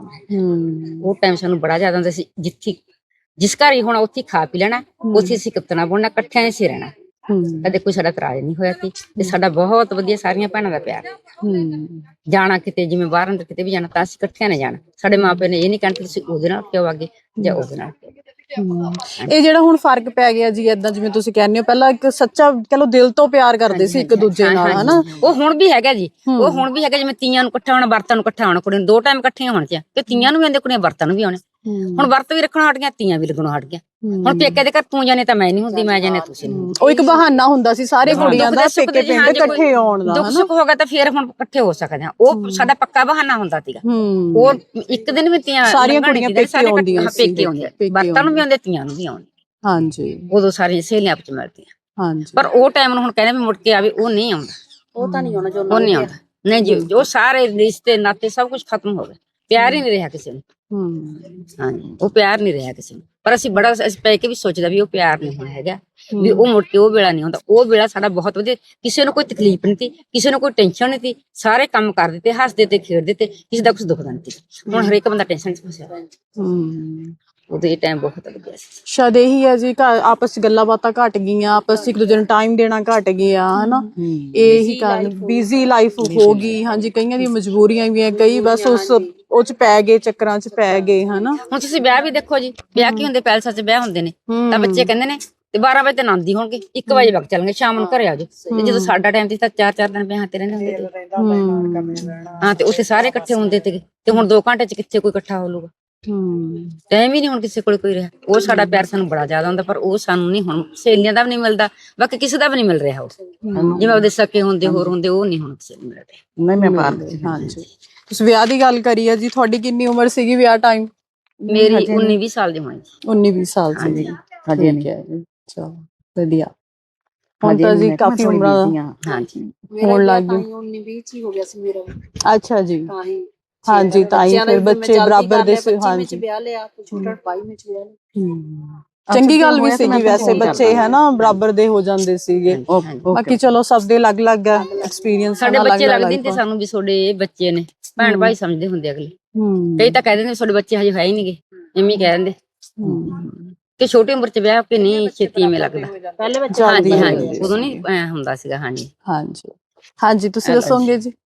G: ਉਹ ਟਾਈਮ ਸਾਨੂੰ ਬੜਾ ਜ਼ਿਆਦਾ ਹੁੰਦਾ ਸੀ। ਜਿਸ ਘਰ ਹੀ ਹੋਣਾ ਉੱਥੇ ਖਾ ਪੀ ਲੈਣਾ, ਉੱਥੇ ਅਸੀਂ ਕਿਤਨਾ ਬੁਣਨਾ, ਇਕੱਠਿਆਂ ਨੇ ਸੀ ਰਹਿਣਾ। ਕਦੇ ਕੋਈ ਸਾਡਾ ਇਤਰਾਜ਼ ਨਹੀਂ ਹੋਇਆ ਸੀ ਤੇ ਸਾਡਾ ਬਹੁਤ ਵਧੀਆ ਸਾਰੀਆਂ ਭੈਣਾਂ ਦਾ ਪਿਆਰ। ਜਾਣਾ ਕਿਤੇ, ਜਿਵੇਂ ਬਾਹਰ ਅੰਦਰ ਕਿਤੇ ਵੀ ਜਾਣਾ, ਤਾਂ ਅਸੀਂ ਇਕੱਠਿਆਂ ਨੇ ਜਾਣਾ। ਸਾਡੇ ਮਾਪਿਆਂ ਨੇ ਇਹ ਨਹੀਂ ਕਹਿਣਾ ਤੁਸੀਂ ਉਹਦੇ ਨਾਲ ਕਿਉਂ ਆਗੇ ਜਾਂ ਉਹਦੇ ਨਾਲ।
A: ਇਹ ਜਿਹੜਾ ਹੁਣ ਫਰਕ ਪੈ ਗਿਆ ਜੀ, ਏਦਾਂ ਜਿਵੇਂ ਤੁਸੀਂ ਕਹਿੰਦੇ ਹੋ, ਪਹਿਲਾਂ ਇੱਕ ਸੱਚਾ ਕਹ ਲੋ ਦਿਲ ਤੋਂ ਪਿਆਰ ਕਰਦੇ ਸੀ ਇੱਕ ਦੂਜੇ ਨਾਲ, ਹਨਾ?
G: ਉਹ ਹੁਣ ਵੀ ਹੈਗਾ ਜੀ, ਉਹ ਹੁਣ ਵੀ ਹੈਗਾ। ਜਿਵੇਂ ਤੀਆਂ ਨੂੰ ਇਕੱਠਾ ਹੋਣਾ, ਵਰਤਾਂ ਨੂੰ ਇਕੱਠਾ ਹੋਣਾ, ਕੁੜੀ ਨੂੰ 2 ਟਾਈਮ ਇਕੱਠੀਆਂ ਹੋਣ ਚ, ਤੇ ਤੀਆਂ ਨੂੰ ਵੀ ਆਉਂਦੇ, ਕੁੜੀਆਂ ਵਰਤਾਂ ਨੂੰ ਵੀ ਆਉਣੇ। ਹੁਣ ਵਰਤ ਵੀ ਰੱਖਣੋਂ ਹਟ ਗਿਆ, ਤੀਆਂ ਵੀ ਲੱਗਣੋਂ ਹਟ ਗਿਆ। ਹੁਣ ਪੇਕੇ ਦੇ ਘਰ ਤੂੰ ਜਾਣੇ ਤਾਂ ਮੈਂ ਨਹੀਂ ਹੁੰਦੀ, ਮੈਂ ਜਾਣੇ ਤੁਸੀਂ ਨਹੀਂ।
A: ਉਹ ਇੱਕ ਬਹਾਨਾ ਹੁੰਦਾ ਸੀ ਸਾਰੇ ਕੁੜੀਆਂ ਦਾ ਪੇਕੇ ਪਿੰਡ ਇਕੱਠੇ ਆਉਣ ਦਾ,
G: ਦੁੱਖ ਸੁੱਖ ਹੋ ਗਿਆ ਤਾਂ ਫੇਰ ਹੁਣ ਇਕੱਠੇ ਹੋ ਸਕਦੇ ਆ। ਉਹ ਸਾਡਾ ਪੱਕਾ ਬਹਾਨਾ ਹੁੰਦਾ ਸੀਗਾ। ਉਹ ਇੱਕ ਦਿਨ ਵੀ ਤੀਆਂ
A: ਸਾਰੀਆਂ ਕੁੜੀਆਂ ਪੇਕੇ ਆਉਂਦੀਆਂ,
G: ਪੇਕੇ ਆਉਂਦੀਆਂ, ਵਰਤਾਂ ਨੂੰ ਵੀ ਆਉਂਦੇ, ਤੀਆਂ ਨੂੰ ਵੀ ਆਉਂਦੇ।
A: ਹਾਂਜੀ,
G: ਉਦੋਂ ਸਾਰੀਆਂ ਸਹੇਲੀਆਂ ਆਪਸ ਚ ਮਿਲਦੀਆਂ।
A: ਹਾਂਜੀ,
G: ਪਰ ਉਹ ਟਾਈਮ ਨੂੰ ਹੁਣ ਕਹਿੰਦੇ ਵੀ ਮੁੜ ਕੇ ਆਵੇ, ਉਹ ਨਹੀਂ ਆਉਂਦਾ।
C: ਉਹ ਤਾਂ ਨਹੀਂ ਆਉਣਾ ਜੋ
G: ਉਹ ਨਹੀਂ ਆਉਂਦਾ, ਨਹੀਂ ਜੀ। ਜੋ ਸਾਰੇ ਰਿਸ਼ਤੇ ਨਾਤੇ ਸਭ ਕੁਝ ਖਤਮ ਹੋ ਗਿਆ, ਪਿਆਰ ਹੀ ਨਹੀਂ ਰਿਹਾ ਕਿਸੇ ਨੂੰ। ਹਾਂਜੀ, ਉਹ ਪਿਆਰ ਨਹੀਂ ਰਿਹਾ ਕਿਸੇ ਨੂੰ। ਪਰ ਅਸੀਂ ਪੈ ਕੇ ਵੀ ਸੋਚਦਾ ਵੀ ਉਹ ਪਿਆਰ ਨਹੀਂ ਹੋਣਾ ਹੈਗਾ, ਵੀ ਉਹ ਮੁੜ ਕੇ ਉਹ ਵੇਲਾ ਨਹੀਂ ਆਉਂਦਾ। ਉਹ ਵੇਲਾ ਸਾਡਾ ਬਹੁਤ ਵਧੀਆ, ਕਿਸੇ ਨੂੰ ਕੋਈ ਤਕਲੀਫ ਨਹੀਂ ਸੀ, ਕਿਸੇ ਨੂੰ ਕੋਈ ਟੈਨਸ਼ਨ ਨਹੀਂ ਸੀ। ਸਾਰੇ ਕੰਮ ਕਰਦੇ ਤੇ, ਹੱਸਦੇ ਤੇ, ਖੇਡਦੇ ਤੇ, ਕਿਸੇ ਦਾ ਕੁਝ ਦੁਖਦਾ ਨਹੀਂ ਸੀ। ਹੁਣ ਹਰੇਕ ਬੰਦਾ ਟੈਨਸ਼ਨ ਚ ਫਸਿਆ ਹੋਇਆ। ਉਦੋਂ ਇਹ ਟਾਈਮ ਬਹੁਤ ਵਧੀਆ ਸੀ।
A: ਸ਼ਾਇਦ ਇਹੀ ਹੈ ਜੀ, ਆਪਸ ਚ ਗੱਲਾਂ ਬਾਤਾਂ ਘਟ ਗਈਆਂ, ਆਪਸ ਚ ਇੱਕ ਦੂਜੇ ਨੂੰ ਟਾਈਮ ਦੇਣਾ ਘਟ ਗਿਆ, ਹਨਾ? ਇਹੀ ਕਾਰਨ, ਬਿਜ਼ੀ ਲਾਈਫ ਹੋ ਗਈ। ਹਾਂਜੀ, ਕਈਆਂ ਦੀ ਮਜਬੂਰੀਆਂ ਵੀ ਹੈ, ਕਈ ਬਸ ਉਹ ਚ ਪੈ ਗਏ, ਚੱਕਰਾਂ ਚ ਪੈ ਗਏ, ਹਨਾ?
G: ਹੁਣ ਤੁਸੀਂ ਵਿਆਹ ਵੀ ਦੇਖੋ ਜੀ, ਵਿਆਹ ਕੀ ਹੁੰਦੇ, ਪੈਲਸਾਂ ਚ ਵਿਆਹ ਹੁੰਦੇ ਨੇ, ਤਾਂ ਬੱਚੇ ਕਹਿੰਦੇ ਨੇ ਤੇ 12 ਵਜੇ ਤੇ ਆਨੰਦੀ ਹੋਣਗੇ, 1 ਵਜੇ ਵਗ ਚੱਲਣਗੇ, ਸ਼ਾਮ ਨੂੰ ਘਰੇ ਆ ਜਾਓ। ਤੇ ਜਦੋਂ ਸਾਡਾ ਟਾਈਮ ਸੀ ਤਾਂ 4-4 ਦਿਨ ਵਿਆਹਾਂ ਤੇ ਰਹਿੰਦੇ ਹੁੰਦੇ ਤੇ। ਹਾਂ, ਤੇ ਉੱਥੇ ਸਾਰੇ ਇਕੱਠੇ ਹੁੰਦੇ ਤੇ ਹੁਣ 2 ਘੰਟੇ ਚ ਕਿੱਥੇ ਕੋਈ ਇਕੱਠਾ ਹੋ ਲੂਗਾ? ਟਾਈਮ ਹੀ ਨਹੀਂ ਹੁਣ ਕਿਸੇ ਕੋਲ ਕੋਈ ਰਿਹਾ। ਉਹ ਸਾਡਾ ਪਿਆਰ ਸਾਨੂੰ ਬੜਾ ਜ਼ਿਆਦਾ ਹੁੰਦਾ, ਪਰ ਉਹ ਸਾਨੂੰ ਨਹੀਂ ਹੁਣ ਸਹੇਲੀਆਂ ਦਾ ਵੀ ਨਹੀਂ ਮਿਲਦਾ, ਬਾਕੀ ਕਿਸੇ ਦਾ ਵੀ ਨਹੀਂ ਮਿਲ ਰਿਹਾ। ਉਹ ਜਿਵੇਂ ਉਹਦੇ ਸਕੇ ਹੁੰਦੇ, ਹੋਰ ਹੁੰਦੇ, ਉਹ ਨਹੀਂ ਹੁਣ ਕਿਸੇ ਨੂੰ ਮਿਲ ਰਿਹਾ।
F: ਨਹੀਂ, ਮੈਂ ਬਾਹਰ।
A: ਹਾਂਜੀ, ਤੁਸੀਂ ਵਿਆਹ ਦੀ ਗੱਲ ਕਰੀ ਹੈ ਜੀ, ਤੁਹਾਡੀ ਕਿੰਨੀ ਉਮਰ ਸੀਗੀ ਵਿਆਹ ਟਾਈਮ?
G: ਮੇਰੀ 19-20 ਸਾਲ ਦੀ ਹੋਣੀ।
A: 19-20 ਸਾਲ ਸੀ? ਹਜੇ ਨਹੀਂ। ਚਲੋ ਵਧੀਆ। ਹੁਣ ਤਾਂ ਜੀ ਕਾਫੀ ਉਮਰਾਂ
G: ਹਾਂਜੀ
A: ਹੋਣ ਲੱਗ ਗਈ।
C: 19-20 ਚ ਹੀ ਹੋ ਗਿਆ ਸੀ ਮੇਰਾ।
A: ਅੱਛਾ ਜੀ।
C: ਤਾਂ ਹੀ
A: ਹਾਂਜੀ, ਤਾਂ ਹੀ ਫਿਰ ਬੱਚੇ ਬਰਾਬਰ ਦੇ ਸੀ।
C: ਹਾਂਜੀ, ਵਿਆਹ ਲਿਆ, ਛੋਟਾ 22 ਵਿੱਚ ਵਿਆਹ ਲਿਆ।
A: ਚੰਗੀ ਗੱਲ ਵੀ ਸੀਗੀ ਵੈਸੇ, ਬੱਚੇ ਹਨਾ ਬਰਾਬਰ ਦੇ ਹੋ ਜਾਂਦੇ ਸੀਗੇ। ਬਾਕੀ ਚਲੋ ਸਭ ਦੇ ਅਲੱਗ-ਅਲੱਗ ਐਕਸਪੀਰੀਅੰਸ।
G: ਸਾਡੇ ਬੱਚੇ ਲੱਗਦੇ ਨੇ ਸਾਨੂੰ ਵੀ ਤੁਹਾਡੇ ਬੱਚੇ ਨੇ, ਭੈਣ ਭਾਈ ਸਮਝਦੇ ਹੁੰਦੇ ਅਗਲੇ। ਕਈ ਤਾਂ ਕਹਿ ਦਿੰਦੇ ਤੁਹਾਡੇ ਬੱਚੇ ਹਜੇ ਹੈ ਹੀ ਨਹੀਂਗੇ, ਐਵੇਂ ਕਹਿ ਦਿੰਦੇ ਕਿ ਛੋਟੀ ਉਮਰ ਚ ਵਿਆਹ ਕੇ ਨਹੀਂ ਛੇਤੀ ਐਵੇਂ ਲੱਗਦਾ।
C: ਪਹਿਲੇ ਬੱਚੇ
G: ਹਾਂਜੀ, ਉਦੋਂ ਨਹੀਂ ਹੁੰਦਾ ਸੀਗਾ। ਹਾਂਜੀ
A: ਹਾਂਜੀ, ਤੁਸੀਂ ਦੱਸੋਗੇ ਜੀ?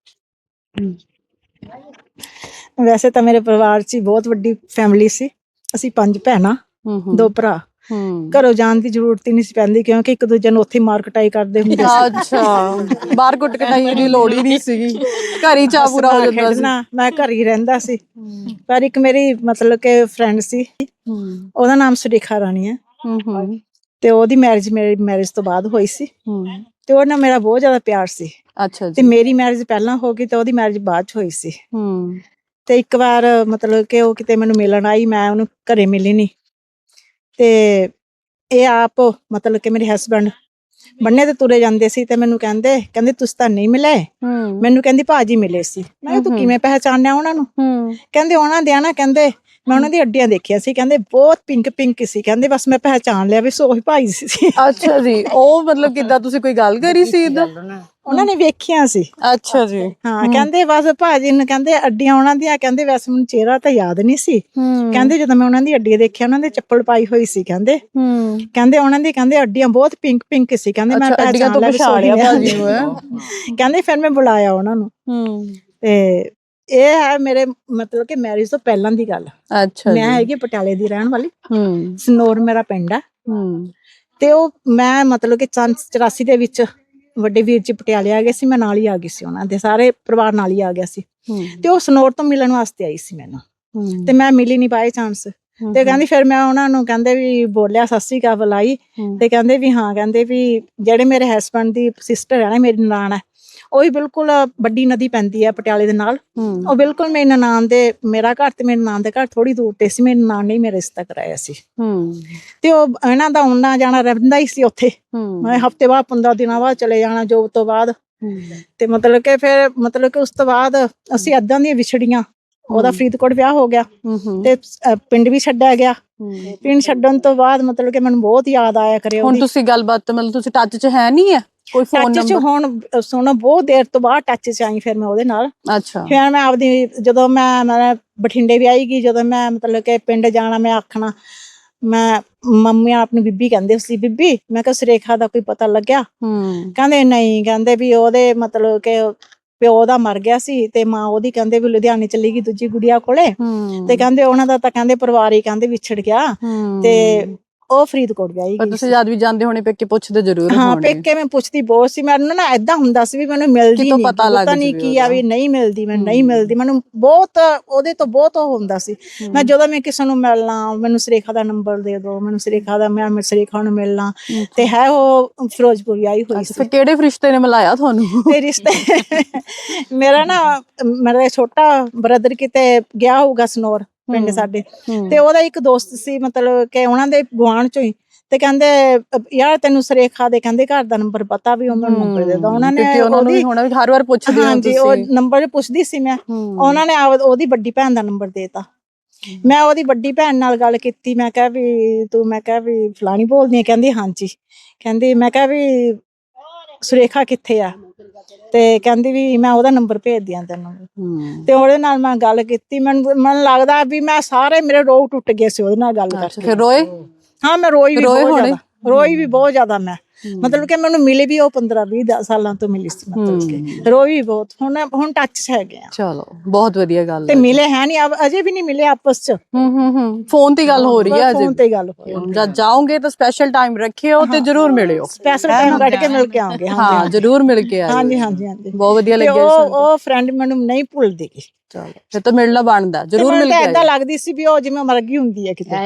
H: ਵੈਸੇ ਤਾਂ ਮੇਰੇ ਪਰਿਵਾਰ 'ਚ ਬਹੁਤ ਵੱਡੀ ਫੈਮਿਲੀ ਸੀ। ਅਸੀਂ 5 ਭੈਣਾਂ, 2 ਭਰਾ। ਘਰੋਂ ਜਾਣ ਦੀ ਜ਼ਰੂਰਤ ਹੀ ਨਹੀਂ ਸੀ ਪੈਂਦੀ, ਕਿਉਂਕਿ ਇੱਕ ਦੂਜੇ ਨੂੰ ਉੱਥੇ ਮਾਰ ਕਟਾਈ ਕਰਦੇ ਹੁੰਦੇ ਸੀ।
A: ਅੱਛਾ, ਬਾਹਰ ਕੁੱਟ ਕਟਾਈ ਦੀ ਲੋੜ ਹੀ ਨਹੀਂ ਸੀਗੀ, ਘਰ ਹੀ ਚਾਹ ਪੂਰਾ ਹੋ ਜਾਂਦਾ ਸੀ।
H: ਮੈਂ ਘਰ ਹੀ ਰਹਿੰਦਾ ਸੀ। ਪਰ ਇੱਕ ਮੇਰੀ ਮਤਲਬ ਕਿ ਫਰੈਂਡ ਸੀ, ਉਹਦਾ ਨਾਮ ਸੁਰੇਖਾ ਰਾਣੀ ਹੈ, ਤੇ ਉਹਦੀ ਮੈਰਿਜ ਮੇਰੀ ਮੈਰਿਜ ਤੋਂ ਬਾਅਦ ਹੋਈ ਸੀ, ਤੇ ਉਹ ਨਾਲ ਮੇਰਾ ਬਹੁਤ ਜ਼ਿਆਦਾ ਪਿਆਰ ਸੀ।
A: ਅੱਛਾ
H: ਤੇ
A: ਜੀ।
H: ਮੇਰੀ ਮੈਰਿਜ ਪਹਿਲਾਂ ਹੋ ਗਈ ਤੇ ਉਹਦੀ ਮੈਰਿਜ ਬਾਅਦ ਚ ਹੋਈ ਸੀ। ਤੇ ਇੱਕ ਵਾਰ ਮਤਲਬ ਕਿ ਉਹ ਕਿਤੇ ਮੈਨੂੰ ਮਿਲਣ ਆਈ, ਮੈਂ ਉਹਨੂੰ ਘਰੇ ਮਿਲੀ ਨਹੀਂ, ਤੇ ਇਹ ਆਪ ਮਤਲਬ ਕਿ ਮੇਰੇ ਹਸਬੈਂਡ ਬੰਨੇ ਤੇ ਤੁਰੇ ਜਾਂਦੇ ਸੀ, ਤੇ ਮੈਨੂੰ ਕਹਿੰਦੇ ਤੁਸੀਂ ਤਾਂ ਨਹੀਂ ਮਿਲੇ। ਮੈਨੂੰ ਕਹਿੰਦੀ ਭਾਜੀ ਮਿਲੇ ਸੀ। ਮੈਂ ਕਿਹਾ ਤੂੰ ਕਿਵੇਂ ਪਹਿਚਾਨਿਆ ਉਹਨਾਂ ਨੂੰ? ਕਹਿੰਦੇ ਉਹਨਾਂ ਦੇ ਨਾ, ਕਹਿੰਦੇ ਮੈਂ ਉਹਨਾਂ ਦੀ ਅੱਡੀਆਂ ਦੇਖੀਆਂ ਸੀ, ਕਹਿੰਦੇ ਬਹੁਤ ਪਿੰਕ ਸੀ, ਕਹਿੰਦੇ ਬਸ ਮੈਂ ਪਹਿਚਾਨ ਲਿਆ ਵੀ ਉਹੀ ਭਾਈ ਸੀ।
A: ਅੱਛਾ ਜੀ। ਉਹ ਮਤਲਬ ਕਿੱਦਾਂ, ਤੁਸੀਂ ਕੋਈ ਗੱਲ ਕਰੀ ਸੀ ਇੱਦਾਂ?
H: ਉਹਨਾਂ ਨੇ ਵੇਖਿਆ ਸੀ।
A: ਅੱਛਾ ਜੀ।
H: ਹਾਂ, ਕਹਿੰਦੇ ਬਸ ਭਾਜੀ ਨੂੰ ਕਹਿੰਦੇ ਅੱਡੀਆਂ ਉਹਨਾਂ ਦੀਆਂ, ਕਹਿੰਦੇ ਵੈਸੇ ਮੈਨੂੰ ਚਿਹਰਾ ਤਾਂ ਯਾਦ ਨਹੀਂ ਸੀ, ਕਹਿੰਦੇ ਜਦੋਂ ਮੈਂ ਉਹਨਾਂ ਦੀ ਅੱਡੀਆਂ ਦੇਖਿਆ, ਉਹਨਾਂ ਦੇ ਚੱਪਲ ਪਾਈ ਹੋਈ ਸੀ, ਕਹਿੰਦੇ ਉਹਨਾਂ ਦੀ ਕਹਿੰਦੇ ਅੱਡੀਆਂ ਬਹੁਤ ਪਿੰਕ ਸੀ, ਕਹਿੰਦੇ ਮੈਂ ਪਹਿਚਾਣ ਲਿਆ ਭਾਜੀ ਨੂੰ। ਕਹਿੰਦੇ ਫਿਰ ਮੈਂ ਬੁਲਾਇਆ ਉਹਨਾਂ ਨੂੰ, ਤੇ ਇਹ ਹੈ ਮੇਰੇ ਮਤਲਬ ਕਿ ਮੈਰਿਜ ਤੋਂ ਪਹਿਲਾਂ ਦੀ ਗੱਲ।
A: ਅੱਛਾ
H: ਮੈਂ ਹੈਗੀ ਪਟਿਆਲੇ ਦੀ ਰਹਿਣ ਵਾਲੀ,
A: ਹੂੰ
H: ਸਨੌਰ ਮੇਰਾ ਪਿੰਡ ਹੈ।
A: ਹੂੰ
H: ਤੇ ਉਹ ਮੈਂ ਮਤਲਬ ਕਿ 84 ਦੇ ਵਿੱਚ ਵੱਡੇ ਵੀਰ ਜੀ ਪਟਿਆਲੇ ਆ ਗਏ ਸੀ, ਮੈਂ ਨਾਲ ਹੀ ਆ ਗਈ ਸੀ, ਉਹਨਾਂ ਦੇ ਸਾਰੇ ਪਰਿਵਾਰ ਨਾਲ ਹੀ ਆ ਗਿਆ ਸੀ। ਤੇ ਉਹ ਸਨੌਰ ਤੋਂ ਮਿਲਣ ਵਾਸਤੇ ਆਈ ਸੀ ਮੈਨੂੰ, ਤੇ ਮੈਂ ਮਿਲੀ ਨਹੀਂ ਬਾਏ ਚਾਂਸ। ਤੇ ਕਹਿੰਦੀ ਫਿਰ ਮੈਂ ਉਹਨਾਂ ਨੂੰ ਕਹਿੰਦੇ ਵੀ ਬੋਲਿਆ, ਸਤਿ ਸ੍ਰੀ ਅਕਾਲ ਬੁਲਾਈ, ਤੇ ਕਹਿੰਦੇ ਵੀ ਹਾਂ, ਕਹਿੰਦੇ ਵੀ ਜਿਹੜੇ ਮੇਰੇ ਹਸਬੈਂਡ ਦੀ ਸਿਸਟਰ ਹੈ ਨਾ, ਮੇਰੀ ਨਨਾਣ ਹੈ, ਉਹ ਵੀ ਬਿਲਕੁਲ ਵੱਡੀ ਨਦੀ ਪੈਂਦੀ ਹੈ ਪਟਿਆਲੇ ਦੇ ਨਾਲ, ਉਹ ਬਿਲਕੁਲ ਮੇਰੀ ਨਨਾਣ ਦੇ, ਮੇਰਾ ਘਰ ਤੇ ਮੇਰੀ ਨਨਾਣ ਦੇ ਘਰ ਥੋੜੀ ਦੂਰ ਤੇ ਸੀ, ਮੇਰੀ ਨਨਾਣ ਨੇ ਮੇਰਾ ਰਿਸ਼ਤਾ ਕਰਾਇਆ ਸੀ। ਤੇ ਉਹ ਇਹਨਾਂ ਦਾ ਆਉਣਾ ਜਾਣਾ ਰਹਿੰਦਾ ਹੀ ਸੀ ਉੱਥੇ, ਮੈਂ ਹਫਤੇ ਬਾਅਦ 15 ਦਿਨਾਂ ਬਾਅਦ ਚਲੇ ਜਾਣਾ ਜੋਬ ਤੋਂ ਬਾਅਦ। ਤੇ ਮਤਲਬ ਕਿ ਫਿਰ ਮਤਲਬ ਕਿ ਉਸ ਤੋਂ ਬਾਅਦ ਅਸੀਂ ਏਦਾਂ ਦੀਆਂ ਵਿਛੜੀਆਂ। ਉਹਦਾ ਫਰੀਦਕੋਟ ਵਿਆਹ ਹੋ ਗਿਆ ਤੇ ਪਿੰਡ ਵੀ ਛੱਡਿਆ ਗਿਆ। ਪਿੰਡ ਛੱਡਣ ਤੋਂ ਬਾਅਦ ਮਤਲਬ ਕਿ ਮੈਨੂੰ ਬਹੁਤ ਯਾਦ ਆਇਆ ਕਰੇ।
A: ਹੁਣ ਤੁਸੀਂ ਗੱਲਬਾਤ ਮਤਲਬ ਤੁਸੀਂ ਟੱਚ 'ਚ ਹੈ ਨਹੀਂ ਹੈ ਕੋਈ ਫੋਨ
H: ਟੱਚ 'ਚ ਹੁਣ ਸੁਣੋ, ਬਹੁਤ ਦੇਰ ਤੋਂ ਬਾਅਦ ਟੱਚ 'ਚ ਆਈ ਫਿਰ ਮੈਂ ਉਹਦੇ ਨਾਲ।
A: ਅੱਛਾ।
H: ਫਿਰ ਮੈਂ ਆਪਦੀ ਜਦੋਂ ਮੈਂ ਬਠਿੰਡੇ ਵੀ ਆਈ ਗਈ, ਜਦੋਂ ਮੈਂ ਮਤਲਬ ਕਿ ਪਿੰਡ ਜਾਣਾ, ਮੈਂ ਆਖਣਾ, ਮੈਂ ਮੰਮੀ ਆਪਣੀ ਬੀਬੀ ਕਹਿੰਦੇ ਸੀ, ਬੀਬੀ ਮੈਂ ਕਿਹਾ ਸੁਰੇਖਾ ਦਾ ਕੋਈ ਪਤਾ ਲੱਗਿਆ? ਕਹਿੰਦੇ ਨਹੀਂ, ਕਹਿੰਦੇ ਵੀ ਉਹਦੇ ਮਤਲਬ ਕਿ ਪਿਓ ਦਾ ਮਰ ਗਿਆ ਸੀ ਤੇ ਮਾਂ ਉਹਦੀ ਕਹਿੰਦੇ ਵੀ ਲੁਧਿਆਣੇ ਚਲੀ ਗਈ ਦੂਜੀ ਗੁੜੀਆ ਕੋਲੇ, ਤੇ ਕਹਿੰਦੇ ਉਹਨਾਂ ਦਾ ਤਾਂ ਕਹਿੰਦੇ ਪਰਿਵਾਰ ਹੀ ਕਹਿੰਦੇ ਵਿਛੜ ਗਿਆ, ਤੇ ਉਹ ਫਰੀਦਕੋਟ ਵਿਆਹੀ ਗਈ।
A: ਤੁਸੀਂ ਜਦ ਵੀ ਜਾਂਦੇ ਹੋਣੇ ਪੇਕੇ ਪੁੱਛਦੇ ਜ਼ਰੂਰ
H: ਹਾਂ, ਪੇਕੇ ਮੈਂ ਪੁੱਛਦੀ ਬਹੁਤ ਸੀ। ਮੈਨੂੰ ਨਾ ਏਦਾਂ ਹੁੰਦਾ ਸੀ ਵੀ ਮੈਨੂੰ ਮਿਲਦੀ ਨਹੀਂ, ਪਤਾ ਨਹੀਂ ਕੀ ਆ ਵੀ ਨਹੀਂ ਮਿਲਦੀ, ਮੈਨੂੰ ਨਹੀਂ ਮਿਲਦੀ, ਮੈਨੂੰ ਬਹੁਤ ਉਹਦੇ ਤੋਂ ਬਹੁਤ ਉਹ ਹੁੰਦਾ ਸੀ। ਮੈਂ ਜਦੋਂ ਮੈਂ ਕਿਸੇ ਨੂੰ ਮਿਲਣਾ, ਮੈਨੂੰ ਸੁਰੇਖਾ ਦਾ ਨੰਬਰ ਦੇ ਦਿਓ, ਮੈਨੂੰ ਸੁਰੇਖਾ ਦਾ, ਮੈਂ ਸੁਰੇਖਾ ਨੂੰ ਮਿਲਣਾ। ਤੇ ਹੈ ਉਹ ਫਿਰੋਜ਼ਪੁਰ ਆਈ ਹੋਈ ਸੀ।
A: ਕਿਹੜੇ ਰਿਸ਼ਤੇ ਨੇ ਮਿਲਾਇਆ ਤੁਹਾਨੂੰ?
H: ਤੇ ਰਿਸ਼ਤੇ ਮੇਰਾ ਨਾ, ਮੇਰਾ ਛੋਟਾ ਬ੍ਰਦਰ ਕਿਤੇ ਗਿਆ ਹੋਊਗਾ ਸਨੌਰ ਪਿੰਡ ਸਾਡੇ, ਤੇ ਉਹਦਾ ਇੱਕ ਦੋਸਤ ਸੀ ਮਤਲਬ ਕਿ ਉਹਨਾਂ ਦੇ ਗੁਆਂਢ ਚੋਂ ਹੀ, ਤੇ ਕਹਿੰਦੇ ਯਾਰ ਤੈਨੂੰ ਸੁਰੇਖਾ ਦੇ ਕਹਿੰਦੇ ਘਰ ਦਾ ਨੰਬਰ ਪਤਾ, ਵੀ ਉਹਨਾਂ ਨੂੰ ਨੰਬਰ ਦੇ ਦੋ। ਉਹਨਾਂ ਨੇ ਉਹਦੀ
A: ਹਰ ਵਾਰ ਪੁੱਛਦੇ ਹੋ ਤੁਸੀਂ?
H: ਉਹ ਨੰਬਰ ਪੁੱਛਦੀ ਸੀ ਮੈਂ, ਉਹਨਾਂ ਨੇ ਉਹਦੀ ਵੱਡੀ ਭੈਣ ਦਾ ਨੰਬਰ ਦੇਤਾ। ਮੈਂ ਉਹਦੀ ਵੱਡੀ ਭੈਣ ਨਾਲ ਗੱਲ ਕੀਤੀ, ਮੈਂ ਕਿਹਾ ਵੀ ਤੂੰ, ਮੈਂ ਕਿਹਾ ਵੀ ਫਲਾਣੀ ਬੋਲਦੀ ਹੈ? ਕਹਿੰਦੀ ਹਾਂਜੀ। ਕਹਿੰਦੀ, ਮੈਂ ਕਿਹਾ ਵੀ ਸੁਰੇਖਾ ਕਿੱਥੇ ਆ? ਤੇ ਕਹਿੰਦੀ ਵੀ ਮੈਂ ਉਹਦਾ ਨੰਬਰ ਭੇਜ ਦਿਆਂ ਤੈਨੂੰ। ਤੇ ਉਹਦੇ ਨਾਲ ਮੈਂ ਗੱਲ ਕੀਤੀ, ਮੈਨੂੰ ਲੱਗਦਾ ਵੀ ਮੈਂ ਸਾਰੇ ਮੇਰੇ ਰੋਹ ਟੁੱਟ ਗਏ ਸੀ ਉਹਦੇ ਨਾਲ ਗੱਲ ਕਰਕੇ।
A: ਫਿਰ ਰੋਏ?
H: ਹਾਂ, ਮੈਂ ਰੋਈ ਵੀ ਬਹੁਤ ਜ਼ਿਆਦਾ ਮੈਂ, ਮਤਲਬ ਕਿ ਮੈਨੂੰ ਮਿਲੀ ਵੀ ਉਹ 15-20 ਸਾਲਾਂ ਤੋਂ ਮਿਲੀ ਸੀ, ਮਤਲਬ ਕਿ ਰੋਈ ਵੀ ਬਹੁਤ। ਹੁਣ ਟੱਚ 'ਚ ਹੈਗੇ ਆ।
A: ਚਲੋ ਬਹੁਤ ਵਧੀਆ ਗੱਲ
H: ਤੇ ਮਿਲੇ ਹੈ ਨਹੀਂ, ਅਜੇ ਵੀ ਨਹੀਂ ਮਿਲੇ ਆਪਸ 'ਚ।
A: ਫੋਨ ਤੇ ਗੱਲ ਹੋ ਰਹੀ ਹੈ ਅਜੇ?
H: ਫੋਨ ਤੇ ਗੱਲ ਹੋ ਰਹੀ ਹੈ।
A: ਜਦ ਜਾਓਗੇ ਤਾਂ ਸਪੈਸ਼ਲ ਟਾਈਮ ਰੱਖਿਓ ਤੇ ਜਰੂਰ ਮਿਲਿਓ।
H: ਸਪੈਸ਼ਲ ਟਾਈਮ ਕੱਢ ਕੇ ਮਿਲ ਕੇ ਆਉਂਗੇ।
A: ਹਾਂ, ਜਰੂਰ ਮਿਲ ਕੇ ਆਇਓ।
H: ਹਾਂਜੀ ਹਾਂਜੀ ਹਾਂਜੀ,
A: ਬਹੁਤ ਵਧੀਆ ਲੱਗਿਆ।
H: ਉਹ ਫਰੈਂਡ ਮੈਨੂੰ ਨਹੀਂ ਭੁੱਲਦੀ।
A: ਚਲੋ ਫਿਰ ਤਾਂ ਮਿਲਣਾ ਬਣਦਾ, ਜਰੂਰ ਮਿਲ ਕੇ ਆਇਓ।
H: ਏਦਾਂ ਲੱਗਦੀ ਸੀ ਵੀ ਉਹ ਜਿਵੇਂ ਮਰ ਗਈ ਹੁੰਦੀ ਹੈ ਕਿਤੇ।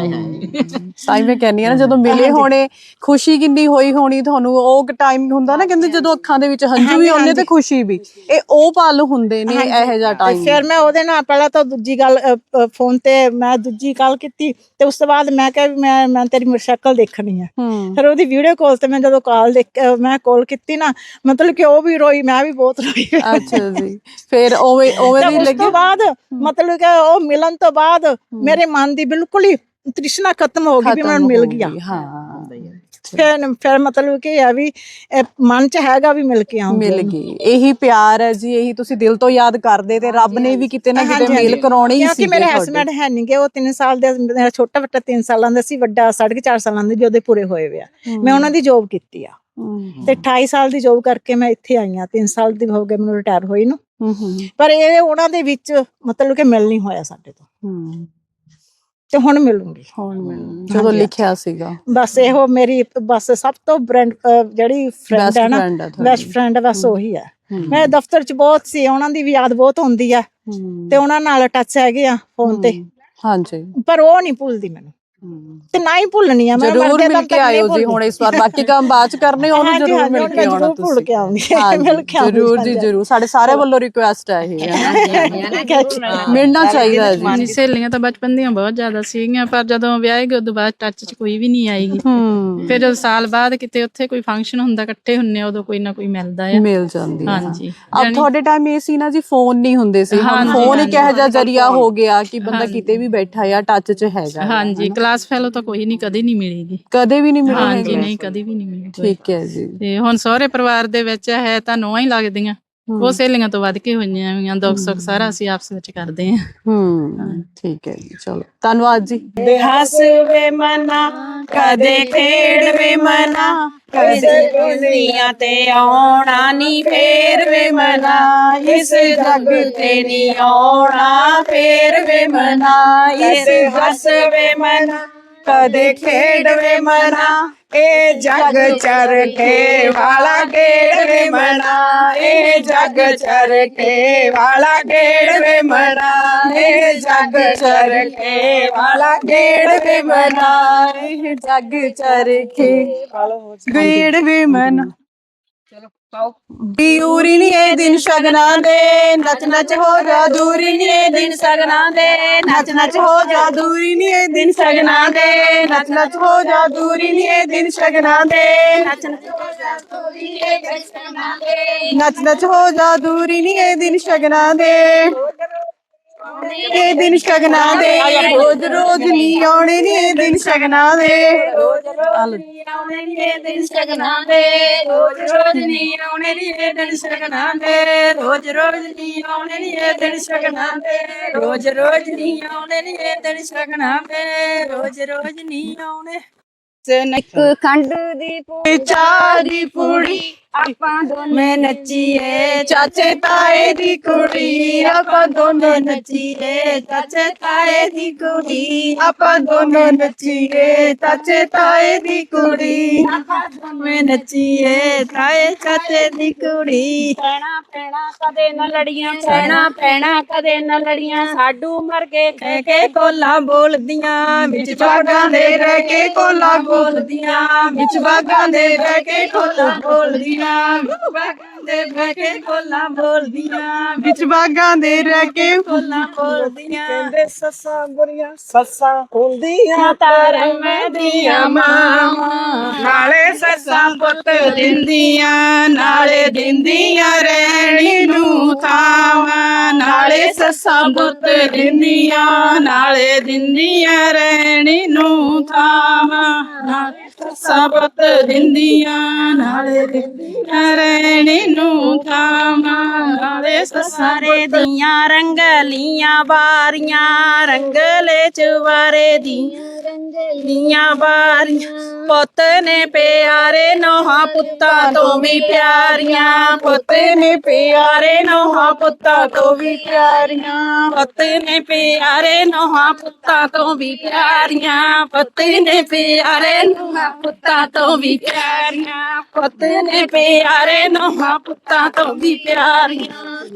A: ਸਾਈ ਮੈਂ ਕਹਿੰਦੀ ਆ ਨਾ, ਜਦੋਂ ਮਿਲੇ ਹੋਣੇ, ਖੁਸ਼ੀ ਕਿੰਨੀ ਹੋਈ ਹੋਣੀ ਤੁਹਾਨੂੰ। ਉਹ ਟਾਈਮ ਹੁੰਦਾ ਨਾ, ਕਹਿੰਦੇ ਜਦੋਂ ਅੱਖਾਂ ਦੇ ਵਿੱਚ ਹੰਝੂ ਵੀ ਆਉਂਦੇ ਤੇ ਖੁਸ਼ੀ ਵੀ, ਇਹ ਉਹ ਪਲ ਹੁੰਦੇ ਨੇ ਇਹੋ ਜਿਹਾ ਟਾਈਮ।
H: ਫਿਰ ਮੈਂ ਉਹਦੇ ਨਾਲ ਪਹਿਲਾਂ ਤਾਂ ਦੂਜੀ ਗੱਲ ਫੋਨ ਤੇ ਮੈਂ ਦੂਜੀ ਕਾਲ ਕੀਤੀ, ਤੇ ਉਸ ਤੋਂ ਬਾਅਦ ਮੈਂ ਕਿਹਾ ਵੀ ਮੈਂ ਤੇਰੀ ਸ਼ਕਲ ਦੇਖਣੀ ਹੈ। ਫਿਰ ਉਹਦੀ ਵੀਡੀਓ ਕਾਲ ਤੇ ਮੈਂ ਜਦੋਂ ਮੈਂ ਕਾਲ ਕੀਤੀ ਨਾ, ਮਤਲਬ ਕਿ ਉਹ ਵੀ ਰੋਈ, ਮੈਂ ਵੀ ਬਹੁਤ ਰੋਈ।
A: ਅੱਛਾ ਜੀ। ਫਿਰ ਉਵੇਂ
H: ਉਸ ਤੋਂ ਬਾਅਦ ਮਤਲਬ ਕਿ ਉਹ ਮਿਲਣ ਤੋਂ ਬਾਅਦ ਮੇਰੇ ਮਨ ਦੀ ਬਿਲਕੁਲ ਹੀ ਤ੍ਰਿਸ਼ਨਾ ਖਤਮ ਹੋ ਗਈ ਵੀ ਮੈਨੂੰ ਮਿਲ ਗਿਆ। ਫਿਰ ਮਤਲਬ ਕਿ ਇਹ ਵੀ ਮਨ 'ਚ ਹੈਗਾ ਵੀ ਮਿਲ ਕੇ ਆਉਂਗੀ।
A: ਮਿਲ ਗਈ, ਇਹੀ ਪਿਆਰ ਹੈ ਜੀ, ਇਹੀ ਤੁਸੀਂ ਦਿਲ ਤੋਂ ਯਾਦ ਕਰਦੇ, ਤੇ ਰੱਬ ਨੇ ਵੀ ਕਿਤੇ ਨਾ ਕਿਤੇ ਮੇਲ ਕਰਾਉਣੀ ਹੀ ਸੀ।
H: ਕਿਉਂਕਿ ਮੇਰੇ ਹਸਬੈਂਡ ਹੈ ਨਹੀਂ ਗੇ, ਉਹ 3 ਸਾਲ ਦੇ, ਮੇਰਾ ਛੋਟਾ ਬੱਚਾ 3 ਸਾਲਾਂ ਦਾ ਸੀ, ਵੱਡਾ 4.5 ਸਾਲਾਂ ਦੇ, ਉਹਦੇ ਪੂਰੇ ਹੋਏ ਵੇ ਆ। ਮੈਂ ਉਹਨਾਂ ਦੀ ਜੋਬ ਕੀਤੀ ਆ, ਤੇ 28 ਸਾਲ ਦੀ ਜੋਬ ਕਰਕੇ ਮੈਂ ਇੱਥੇ ਆਈ ਆ। 3 ਸਾਲ ਦੀ ਹੋ ਗਏ ਮੈਨੂੰ ਰਿਟਾਇਰ ਹੋਈ ਨੂੰ। ਪਰ ਇਹ ਉਹਨਾਂ ਦੇ ਵਿੱਚ ਮਤਲਬ ਕਿ ਮਿਲ ਨਹੀਂ ਹੋਇਆ ਸਾਡੇ ਤੋਂ, ਤੇ ਹੁਣ ਮਿਲੂੰਗੀ।
A: ਜਦੋਂ ਲਿਖਿਆ ਸੀਗਾ
H: ਬਸ ਇਹੋ ਮੇਰੀ ਬਸ ਸਭ ਤੋਂ ਜਿਹੜੀ ਫਰੈਂਡ ਹੈ ਨਾ, ਬੈਸਟ ਫਰੈਂਡ, ਬਸ ਉਹੀ ਹੈ। ਮੈਂ ਦਫ਼ਤਰ 'ਚ ਬਹੁਤ ਸੀ, ਉਹਨਾਂ ਦੀ ਵੀ ਯਾਦ ਬਹੁਤ ਹੁੰਦੀ ਆ, ਤੇ ਉਹਨਾਂ ਨਾਲ ਟੱਚ ਹੈਗੇ ਆ ਫੋਨ ਤੇ।
A: ਹਾਂਜੀ,
H: ਪਰ ਉਹ ਨਹੀਂ ਭੁੱਲਦੀ ਮੈਨੂੰ, ਤੇ ਨਾ ਹੀ ਭੁੱਲਣੀ ਆ ਮੈਂ।
A: ਜਰੂਰ ਮਿਲ ਕੇ ਆਇਓ ਜੀ ਹੁਣ ਇਸ ਵਾਰ, ਬਾਕੀ ਕੰਮ ਬਾਅਦ 'ਚ ਕਰਨੇ, ਉਹਨੂੰ ਜਰੂਰ ਮਿਲ ਕੇ ਆਉਣਾ ਤੁਸੀਂ।
H: ਭੁੱਲ ਕੇ ਆਉਂਗੀ, ਮਿਲ ਕੇ ਆਉਂਗੀ
A: ਜਰੂਰ ਜੀ, ਜਰੂਰ। ਸਾਡੇ ਸਾਰਿਆਂ ਵੱਲੋਂ ਰਿਕੁਐਸਟ ਹੈ ਇਹ, ਮਿਲਣਾ ਚਾਹੀਦਾ ਜੀ।
I: ਸਹੇਲੀਆਂ ਤਾਂ ਬਚਪਨ ਦੀਆਂ ਬਹੁਤ ਜ਼ਿਆਦਾ ਸੀਗੀਆਂ, ਪਰ ਜਦੋਂ ਵਿਆਹ ਗਏ ਉਦੋਂ ਬਾਅਦ ਟੱਚ 'ਚ ਕੋਈ ਵੀ ਨਹੀਂ ਆਏਗੀ। ਫਿਰ ਜਦੋਂ ਸਾਲ ਬਾਅਦ ਕਿਤੇ ਉੱਥੇ ਕੋਈ ਫੰਕਸ਼ਨ ਹੁੰਦਾ, ਇਕੱਠੇ ਹੁੰਨੇ, ਉਦੋਂ ਕੋਈ ਨਾ ਕੋਈ ਮਿਲਦਾ ਆ,
A: ਮਿਲ ਜਾਂਦੀ ਹੈ।
I: ਹਾਂਜੀ।
A: ਅਬ ਤੁਹਾਡੇ ਟਾਈਮ ਇਹ ਸੀ ਨਾ ਜੀ, ਫੋਨ ਨਹੀਂ ਹੁੰਦੇ ਸੀ। ਫੋਨ ਇੱਕ ਇਹੋ ਜਿਹਾ ਜ਼ਰੀਆ ਹੋ ਗਿਆ ਕਿ ਬੰਦਾ ਕਿਤੇ ਵੀ ਬੈਠਾ ਆ, ਟੱਚ 'ਚ ਹੈਗਾ।
I: ਹਾਂਜੀ, ਕਲਾਸ ਫੈਲੋ ਤਾਂ ਕੋਈ ਨਹੀਂ, ਕਦੇ ਨਹੀਂ ਮਿਲੇਗੀ,
A: ਕਦੇ ਵੀ ਨਹੀਂ ਮਿਲੀ।
I: ਹਾਂਜੀ, ਨਹੀਂ, ਕਦੇ ਵੀ ਨਹੀਂ ਮਿਲੀ।
A: ਠੀਕ ਹੈ ਜੀ।
I: ਤੇ ਹੁਣ ਸਹੁਰੇ ਪਰਿਵਾਰ ਦੇ ਵਿੱਚ ਹੈ ਤਾਂ ਨੂੰਹਾਂ ਹੀ ਲੱਗਦੀਆਂ, ਉਹ ਸਹੇਲੀਆਂ ਤੋਂ ਵੱਧ ਕੇ ਹੋਈਆਂ ਹੋਈਆਂ, ਦੁੱਖ ਸੁੱਖ ਸਾਰਾ ਅਸੀਂ ਆਪਸ ਵਿੱਚ ਕਰਦੇ ਹਾਂ।
A: ਠੀਕ ਹੈ ਜੀ, ਚਲੋ ਧੰਨਵਾਦ ਜੀ।
F: ਹੱਸ ਵੇ ਮਨਾ ਕਦੇ ਖੇਡ ਵੇ ਮਨਾ, ਕਦੇ ਦੁਨੀਆ ਤੇ ਆਉਣਾ ਨੀ ਫੇਰ ਵੇ ਮਨਾ, ਇਸ ਜੱਗ ਤੇ ਨੀ ਆਉਣਾ ਫੇਰ ਵੇ ਮਨਾ, ਇਸ ਹੱਸ ਵੇ ਮਨਾ ਕਦੇ ਖੇਡ ਵੇ ਮਨਾ, ਇਹ ਜੱਗ ਚਰਖੇ ਵਾਲਾ ਖੇਡ ਵੇ ਮਨਾ, ਇਹ ਜੱਗ ਚਰਖੇ ਵਾਲਾ ਖੇਡ ਵੇ ਮਨਾ, ਇਹ ਜੱਗ ਚਰਖੇ ਵਾਲਾ ਖੇਡ ਵੇ ਮਨਾ,
A: ਇਹ ਜੱਗ ਚਰਖੇ ਗੇੜ ਵੇ ਮਨਾ। ਦੂਰੀ ਨੀ ਇਹ ਦਿਨ ਸ਼ਗਨਾਂ ਦੇ, ਨੱਚ ਨੱਚ ਹੋ ਜਾ ਦੂਰੀ ਨੀ ਇਹ ਦਿਨ ਸ਼ਗਨਾਂ ਦੇ, ਨੱਚ ਨੱਚ ਹੋ ਜਾ ਦੂਰੀ ਨੀ ਇਹ ਦਿਨ ਸ਼ਗਨਾਂ ਦੇ, ਨੱਚ ਨੱਚ ਹੋ ਜਾ ਦੂਰੀ ਨੀ ਇਹ ਦਿਨ ਸ਼ਗਨਾਂ ਦੇ, ਨੱਚ ਨੱਚ ਹੋ ਜਾ ਦੂਰੀ ਨੀ ਇਹ ਦਿਨ ਸ਼ਗਨਾਂ ਦੇ, ਨੱਚ ਨੱਚ ਹੋ ਜਾ ਦੂਰੀ ਨੀ ਇਹ ਦਿਨ ਸ਼ਗਨਾਂ ਦੇ, ਇਹ ਦਿਨ ਸ਼ਗਨਾਂ ਦੇ, ਰੋਜ਼ ਰੋਜ਼ ਨੀ ਆਉਣੇ ਨੀ ਇਹ ਦਿਨ ਸ਼ਗਨਾਂ ਦੇ, ਰੋਜ਼ ਰੋਜ਼ ਨੀ ਆਉਣੇ ਨੀ ਇਹ ਦਿਨ ਸ਼ਗਨਾਂ ਦੇ, ਰੋਜ਼ ਰੋਜ਼ ਨੀ ਆਉਣੇ ਨੀ ਇਹ ਦਿਨ ਸ਼ਗਨਾਂ ਦੇ, ਰੋਜ਼ ਰੋਜ਼ ਨੀ ਆਉਣੇ ਨੀ ਇਹ ਦਿਨ ਸ਼ਗਨਾਂ ਦੇ, ਰੋਜ਼ ਰੋਜ਼ ਨੀ ਆਉਣੇ ਨੀ ਇਹ ਦਿਨ ਸ਼ਗਨਾਂ ਦੇ, ਰੋਜ਼ ਰੋਜ਼ ਨੀ ਆਉਣੇ।
G: ਇੱਕ ਖੰਡ ਦੀ ਪੂੜੀ
A: ਚਾਹ ਦੀ ਪੂੜੀ
G: ਆਪਾਂ
A: ਮੈਂ ਨੱਚੀਏ, ਚਾਚੇ ਤਾਏ ਦੀ ਕੁੜੀ ਆਪਾਂ ਦੋਨੋਂ ਨੱਚੀਏ, ਚਾਚੇ ਤਾਏ ਦੀ ਕੁੜੀ ਆਪਾਂ ਦੋਨੋਂ ਨੱਚੀਏ, ਚਾਚੇ ਤਾਏ ਦੀ ਕੁੜੀ ਮੈਂ ਨੱਚੀਏ, ਤਾਏ ਚਾਚੇ ਦੀ ਕੁੜੀ।
C: ਪੈਣਾ ਪੈਣਾ ਕਦੇ ਨਾ ਲੜੀਆਂ, ਪੈਣਾ ਪੈਣਾ ਕਦੇ ਨਾ ਲੜੀਆਂ, ਸਾਡੂ ਮਰ ਗਏ
A: ਕਹਿ ਕੇ ਕੋਲਾਂ ਬੋਲਦੀਆਂ, ਵਿੱਚ ਬਾਗਾਂ ਦੇ ਰਹਿ ਕੇ ਕੋਲਾਂ ਬੋਲਦੀਆਂ, ਵਿੱਚ ਬਾਗਾਂ ਦੇ ਰਹਿ ਕੇ ਕੋਲਾਂ ਬੋਲਦੀਆਂ, ਬਾਗਾਂ ਦੇ ਬਹਿ ਕੇ ਕੋਲਾਂ ਬੋਲਦੀਆਂ, ਵਿੱਚ ਬਾਗਾਂ ਦੇ ਰਹਿ ਕੇ ਕੋਲਾਂ ਬੋਲਦੀਆਂ।
F: ਕਹਿੰਦੇ ਸੱਸਾਂ ਬੁਰੀਆਂ ਸੱਸਾਂ ਹੁੰਦੀਆਂ ਧਰਮ ਦੀਆਂ ਮਾਵਾਂ, ਨਾਲੇ ਸੱਸਾਂ ਪੁੱਤ ਦਿੰਦੀਆਂ, ਨਾਲੇ ਦਿੰਦੀਆਂ ਰਹਿਣੀ ਨੂੰ ਥਾਵਾਂ, ਨਾਲੇ ਸੱਸਾਂ ਪੁੱਤ ਦਿੰਦੀਆਂ, ਨਾਲੇ ਦਿੰਦੀਆਂ ਰਹਿਣੀ ਨੂੰ ਥਾਵਾਂ, ਨਾਲੇ ਸੱਸਾਂ ਪੁੱਤ ਦਿੰਦੀਆਂ, ਨਾਲੇ ਦਿੰਦੀਆਂ ਰਹਿਣੀ ਨੂੰ ਥਾਵਾਂ, ਨਾਲੇ ਸਾਰੇ ਦੀਆਂ ਰੰਗਲੀਆਂ ਬਾਰੀਆਂ, ਰੰਗਲੇ ਚਵਾਰੇ ਦੀਆਂ ਬਾਰੀਆਂ, ਪੁੱਤ ਨੇ ਪਿਆਰੇ ਨੋਹਾਂ ਪੁੱਤਾਂ ਤੋਂ ਵੀ ਪਿਆਰੀਆਂ, ਪੁੱਤ ਨੇ ਪਿਆਰੇ ਨੋਹਾਂ ਪੁੱਤਾਂ ਤੋਂ ਵੀ ਪਿਆਰੀਆਂ, ਪੁੱਤ ਨੇ ਪਿਆਰੇ ਨੋਹਾਂ ਪੁੱਤਾਂ ਤੋਂ ਵੀ ਪਿਆਰੀਆਂ, ਪੁੱਤ ਨੇ ਪਿਆਰੇ ਨੋਹਾਂ ਪੁੱਤਾਂ ਤੋਂ ਵੀ ਪਿਆਰੀਆਂ, ਪੁੱਤ ਨੇ ਪਿਆਰੇ ਨੋਹਾਂ ਪੁੱਤਾਂ ਤੋਂ ਵੀ ਪਿਆਰੀਆਂ।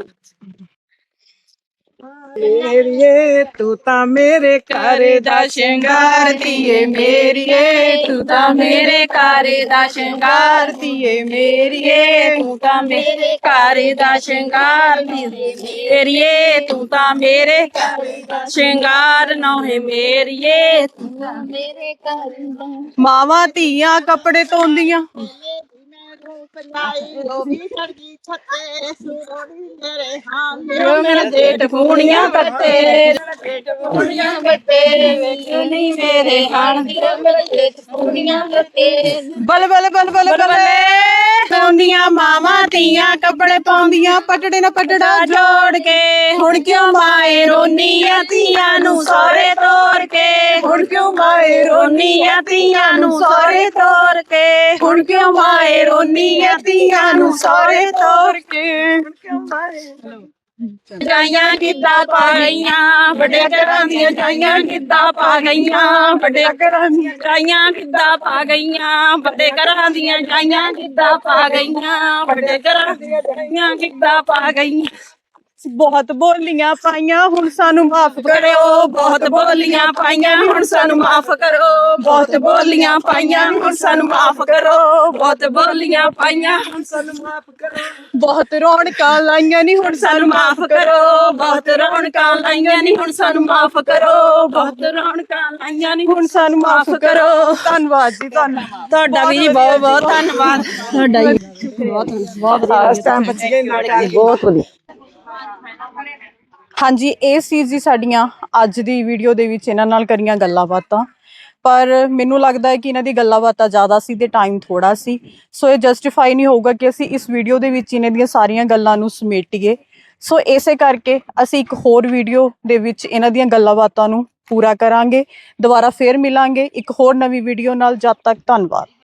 F: ਮੇਰੀਏ ਤੂੰ ਤਾਂ ਮੇਰੇ ਘਰ ਦਾ ਸ਼ਿੰਗਾਰ ਦੀਏ, ਮੇਰੀਏ ਤੂੰ ਤਾਂ ਮੇਰੇ ਘਰ ਦਾ ਸ਼ਿੰਗਾਰ ਦੀਏ, ਮੇਰੀਏ ਤੂੰ ਤਾਂ ਮੇਰੇ ਘਰ ਦਾ ਸ਼ਿੰਗਾਰ ਦੀਏ, ਮੇਰੀਏ ਤੂੰ ਤਾਂ ਮੇਰੇ ਘਰ ਦਾ ਸ਼ਿੰਗਾਰ ਨੋਹੇ, ਮੇਰੀਏ ਤੂੰ ਤਾਂ ਮੇਰੇ ਘਰ ਦਾ।
A: ਮਾਵਾਂ ਧੀਆਂ ਕੱਪੜੇ ਧੋਂਦੀਆਂ,
F: ਜੋ ਮੇਰੇ ਜੇਠ ਫੂਣੀਆਂ ਕੱਟੇ, ਫੂਣੀਆਂ ਕੱਟੇ ਵੇਖ ਨਹੀਂ ਮੇਰੇ ਹਾਣ ਦੀ, ਮੇਰੇ ਜੇਠ ਫੂਣੀਆਂ ਕੱਟੇ।
A: ਬਲ ਬਲ ਬਲ ਬਲ ਬਲ ਪਾਉਂਦੀਆਂ ਮਾਵਾਂ ਧੀਆਂ ਕੱਪੜੇ ਪਾਉਂਦੀਆਂ, ਪਟੜੇ ਨਾ ਪਟੜਾ ਜੋੜ ਕੇ, ਹੁਣ ਕਿਉਂ ਮਾਏ ਰੋਨੀਆਂ ਧੀਆਂ ਨੂੰ ਸਹੁਰੇ ਤੋਰ ਕੇ, ਹੁਣ ਕਿਉਂ ਮਾਏ ਰੋਨੀਆਂ ਧੀਆਂ ਨੂੰ ਸਹੁਰੇ ਤੋਰ ਕੇ, ਹੁਣ ਕਿਉਂ ਮਾਏ ਰੋਨੀਆਂ ਧੀਆਂ ਨੂੰ ਸਹੁਰੇ ਤੋਰ ਕੇ।
F: ਜਾਈਆਂ ਕਿੱਦਾਂ ਪਾ ਗਈਆਂ, ਵੱਡੇ ਘਰਾਂ ਦੀਆਂ ਜਾਈਆਂ ਕਿੱਦਾਂ ਪਾ ਗਈਆਂ, ਵੱਡੇ ਘਰਾਂ ਦੀਆਂ ਜਾਈਆਂ ਕਿੱਦਾਂ ਪਾ ਗਈਆਂ, ਵੱਡੇ ਘਰਾਂ ਦੀਆਂ ਜਾਈਆਂ ਕਿੱਦਾਂ ਪਾ ਗਈਆਂ, ਵੱਡੇ ਘਰਾਂ ਦੀਆਂ ਜਾਈਆਂ ਕਿੱਦਾਂ ਪਾ ਗਈਆਂ।
A: ਬਹੁਤ ਬੋਲੀਆਂ ਪਾਈਆਂ ਹੁਣ ਸਾਨੂੰ ਮਾਫ
F: ਕਰੋ, ਬਹੁਤ ਬੋਲੀਆਂ ਪਾਈਆਂ ਹੁਣ ਸਾਨੂੰ ਮਾਫ ਕਰੋ, ਬਹੁਤ ਬੋਲੀਆਂ ਪਾਈਆਂ ਹੁਣ ਸਾਨੂੰ ਮਾਫ ਕਰੋ, ਬਹੁਤ ਬੋਲੀਆਂ ਪਾਈਆਂ ਹੁਣ ਸਾਨੂੰ ਮਾਫ ਕਰੋ,
A: ਬਹੁਤ ਰੌਣਕਾਂ ਲਾਈਆਂ ਨਹੀਂ ਹੁਣ
F: ਸਾਨੂੰ ਮਾਫ ਕਰੋ, ਬਹੁਤ ਰੌਣਕਾਂ ਲਾਈਆਂ ਨਹੀਂ ਹੁਣ ਸਾਨੂੰ ਮਾਫ ਕਰੋ, ਬਹੁਤ ਰੌਣਕਾਂ ਲਾਈਆਂ ਨਹੀਂ ਹੁਣ ਸਾਨੂੰ ਮਾਫ ਕਰੋ।
A: ਧੰਨਵਾਦ ਜੀ, ਧੰਨਵਾਦ
F: ਤੁਹਾਡਾ ਵੀ ਜੀ ਬਹੁਤ ਬਹੁਤ ਧੰਨਵਾਦ ਤੁਹਾਡਾ ਜੀ, ਬਹੁਤ
G: ਬਹੁਤ ਵਧੀਆ।
A: ਹਾਂਜੀ, ਇਹ ਸੀ ਜੀ ਸਾਡੀਆਂ ਅੱਜ ਦੀ ਵੀਡੀਓ ਦੇ ਵਿੱਚ ਇਹਨਾਂ ਨਾਲ ਕਰੀਆਂ ਗੱਲਾਂ ਬਾਤਾਂ। ਪਰ ਮੈਨੂੰ ਲੱਗਦਾ ਹੈ ਕਿ ਇਹਨਾਂ ਦੀ ਗੱਲਾਂ ਬਾਤਾਂ ਜ਼ਿਆਦਾ ਸੀ ਤੇ ਟਾਈਮ ਥੋੜਾ ਸੀ, ਸੋ ਇਹ ਜਸਟੀਫਾਈ ਨਹੀਂ ਹੋਊਗਾ ਕਿ ਅਸੀਂ ਇਸ ਵੀਡੀਓ ਦੇ ਵਿੱਚ ਇਹਨਾਂ ਦੀਆਂ ਸਾਰੀਆਂ ਗੱਲਾਂ ਨੂੰ ਸਮੇਟੀਏ। ਸੋ ਇਸੇ ਕਰਕੇ ਅਸੀਂ ਇੱਕ ਹੋਰ ਵੀਡੀਓ ਦੇ ਵਿੱਚ ਇਹਨਾਂ ਦੀਆਂ ਗੱਲਾਂ ਬਾਤਾਂ ਨੂੰ ਪੂਰਾ ਕਰਾਂਗੇ। ਦੁਬਾਰਾ ਫੇਰ ਮਿਲਾਂਗੇ ਇੱਕ ਹੋਰ ਨਵੀਂ ਵੀਡੀਓ ਨਾਲ। ਜਦ ਤੱਕ ਧੰਨਵਾਦ।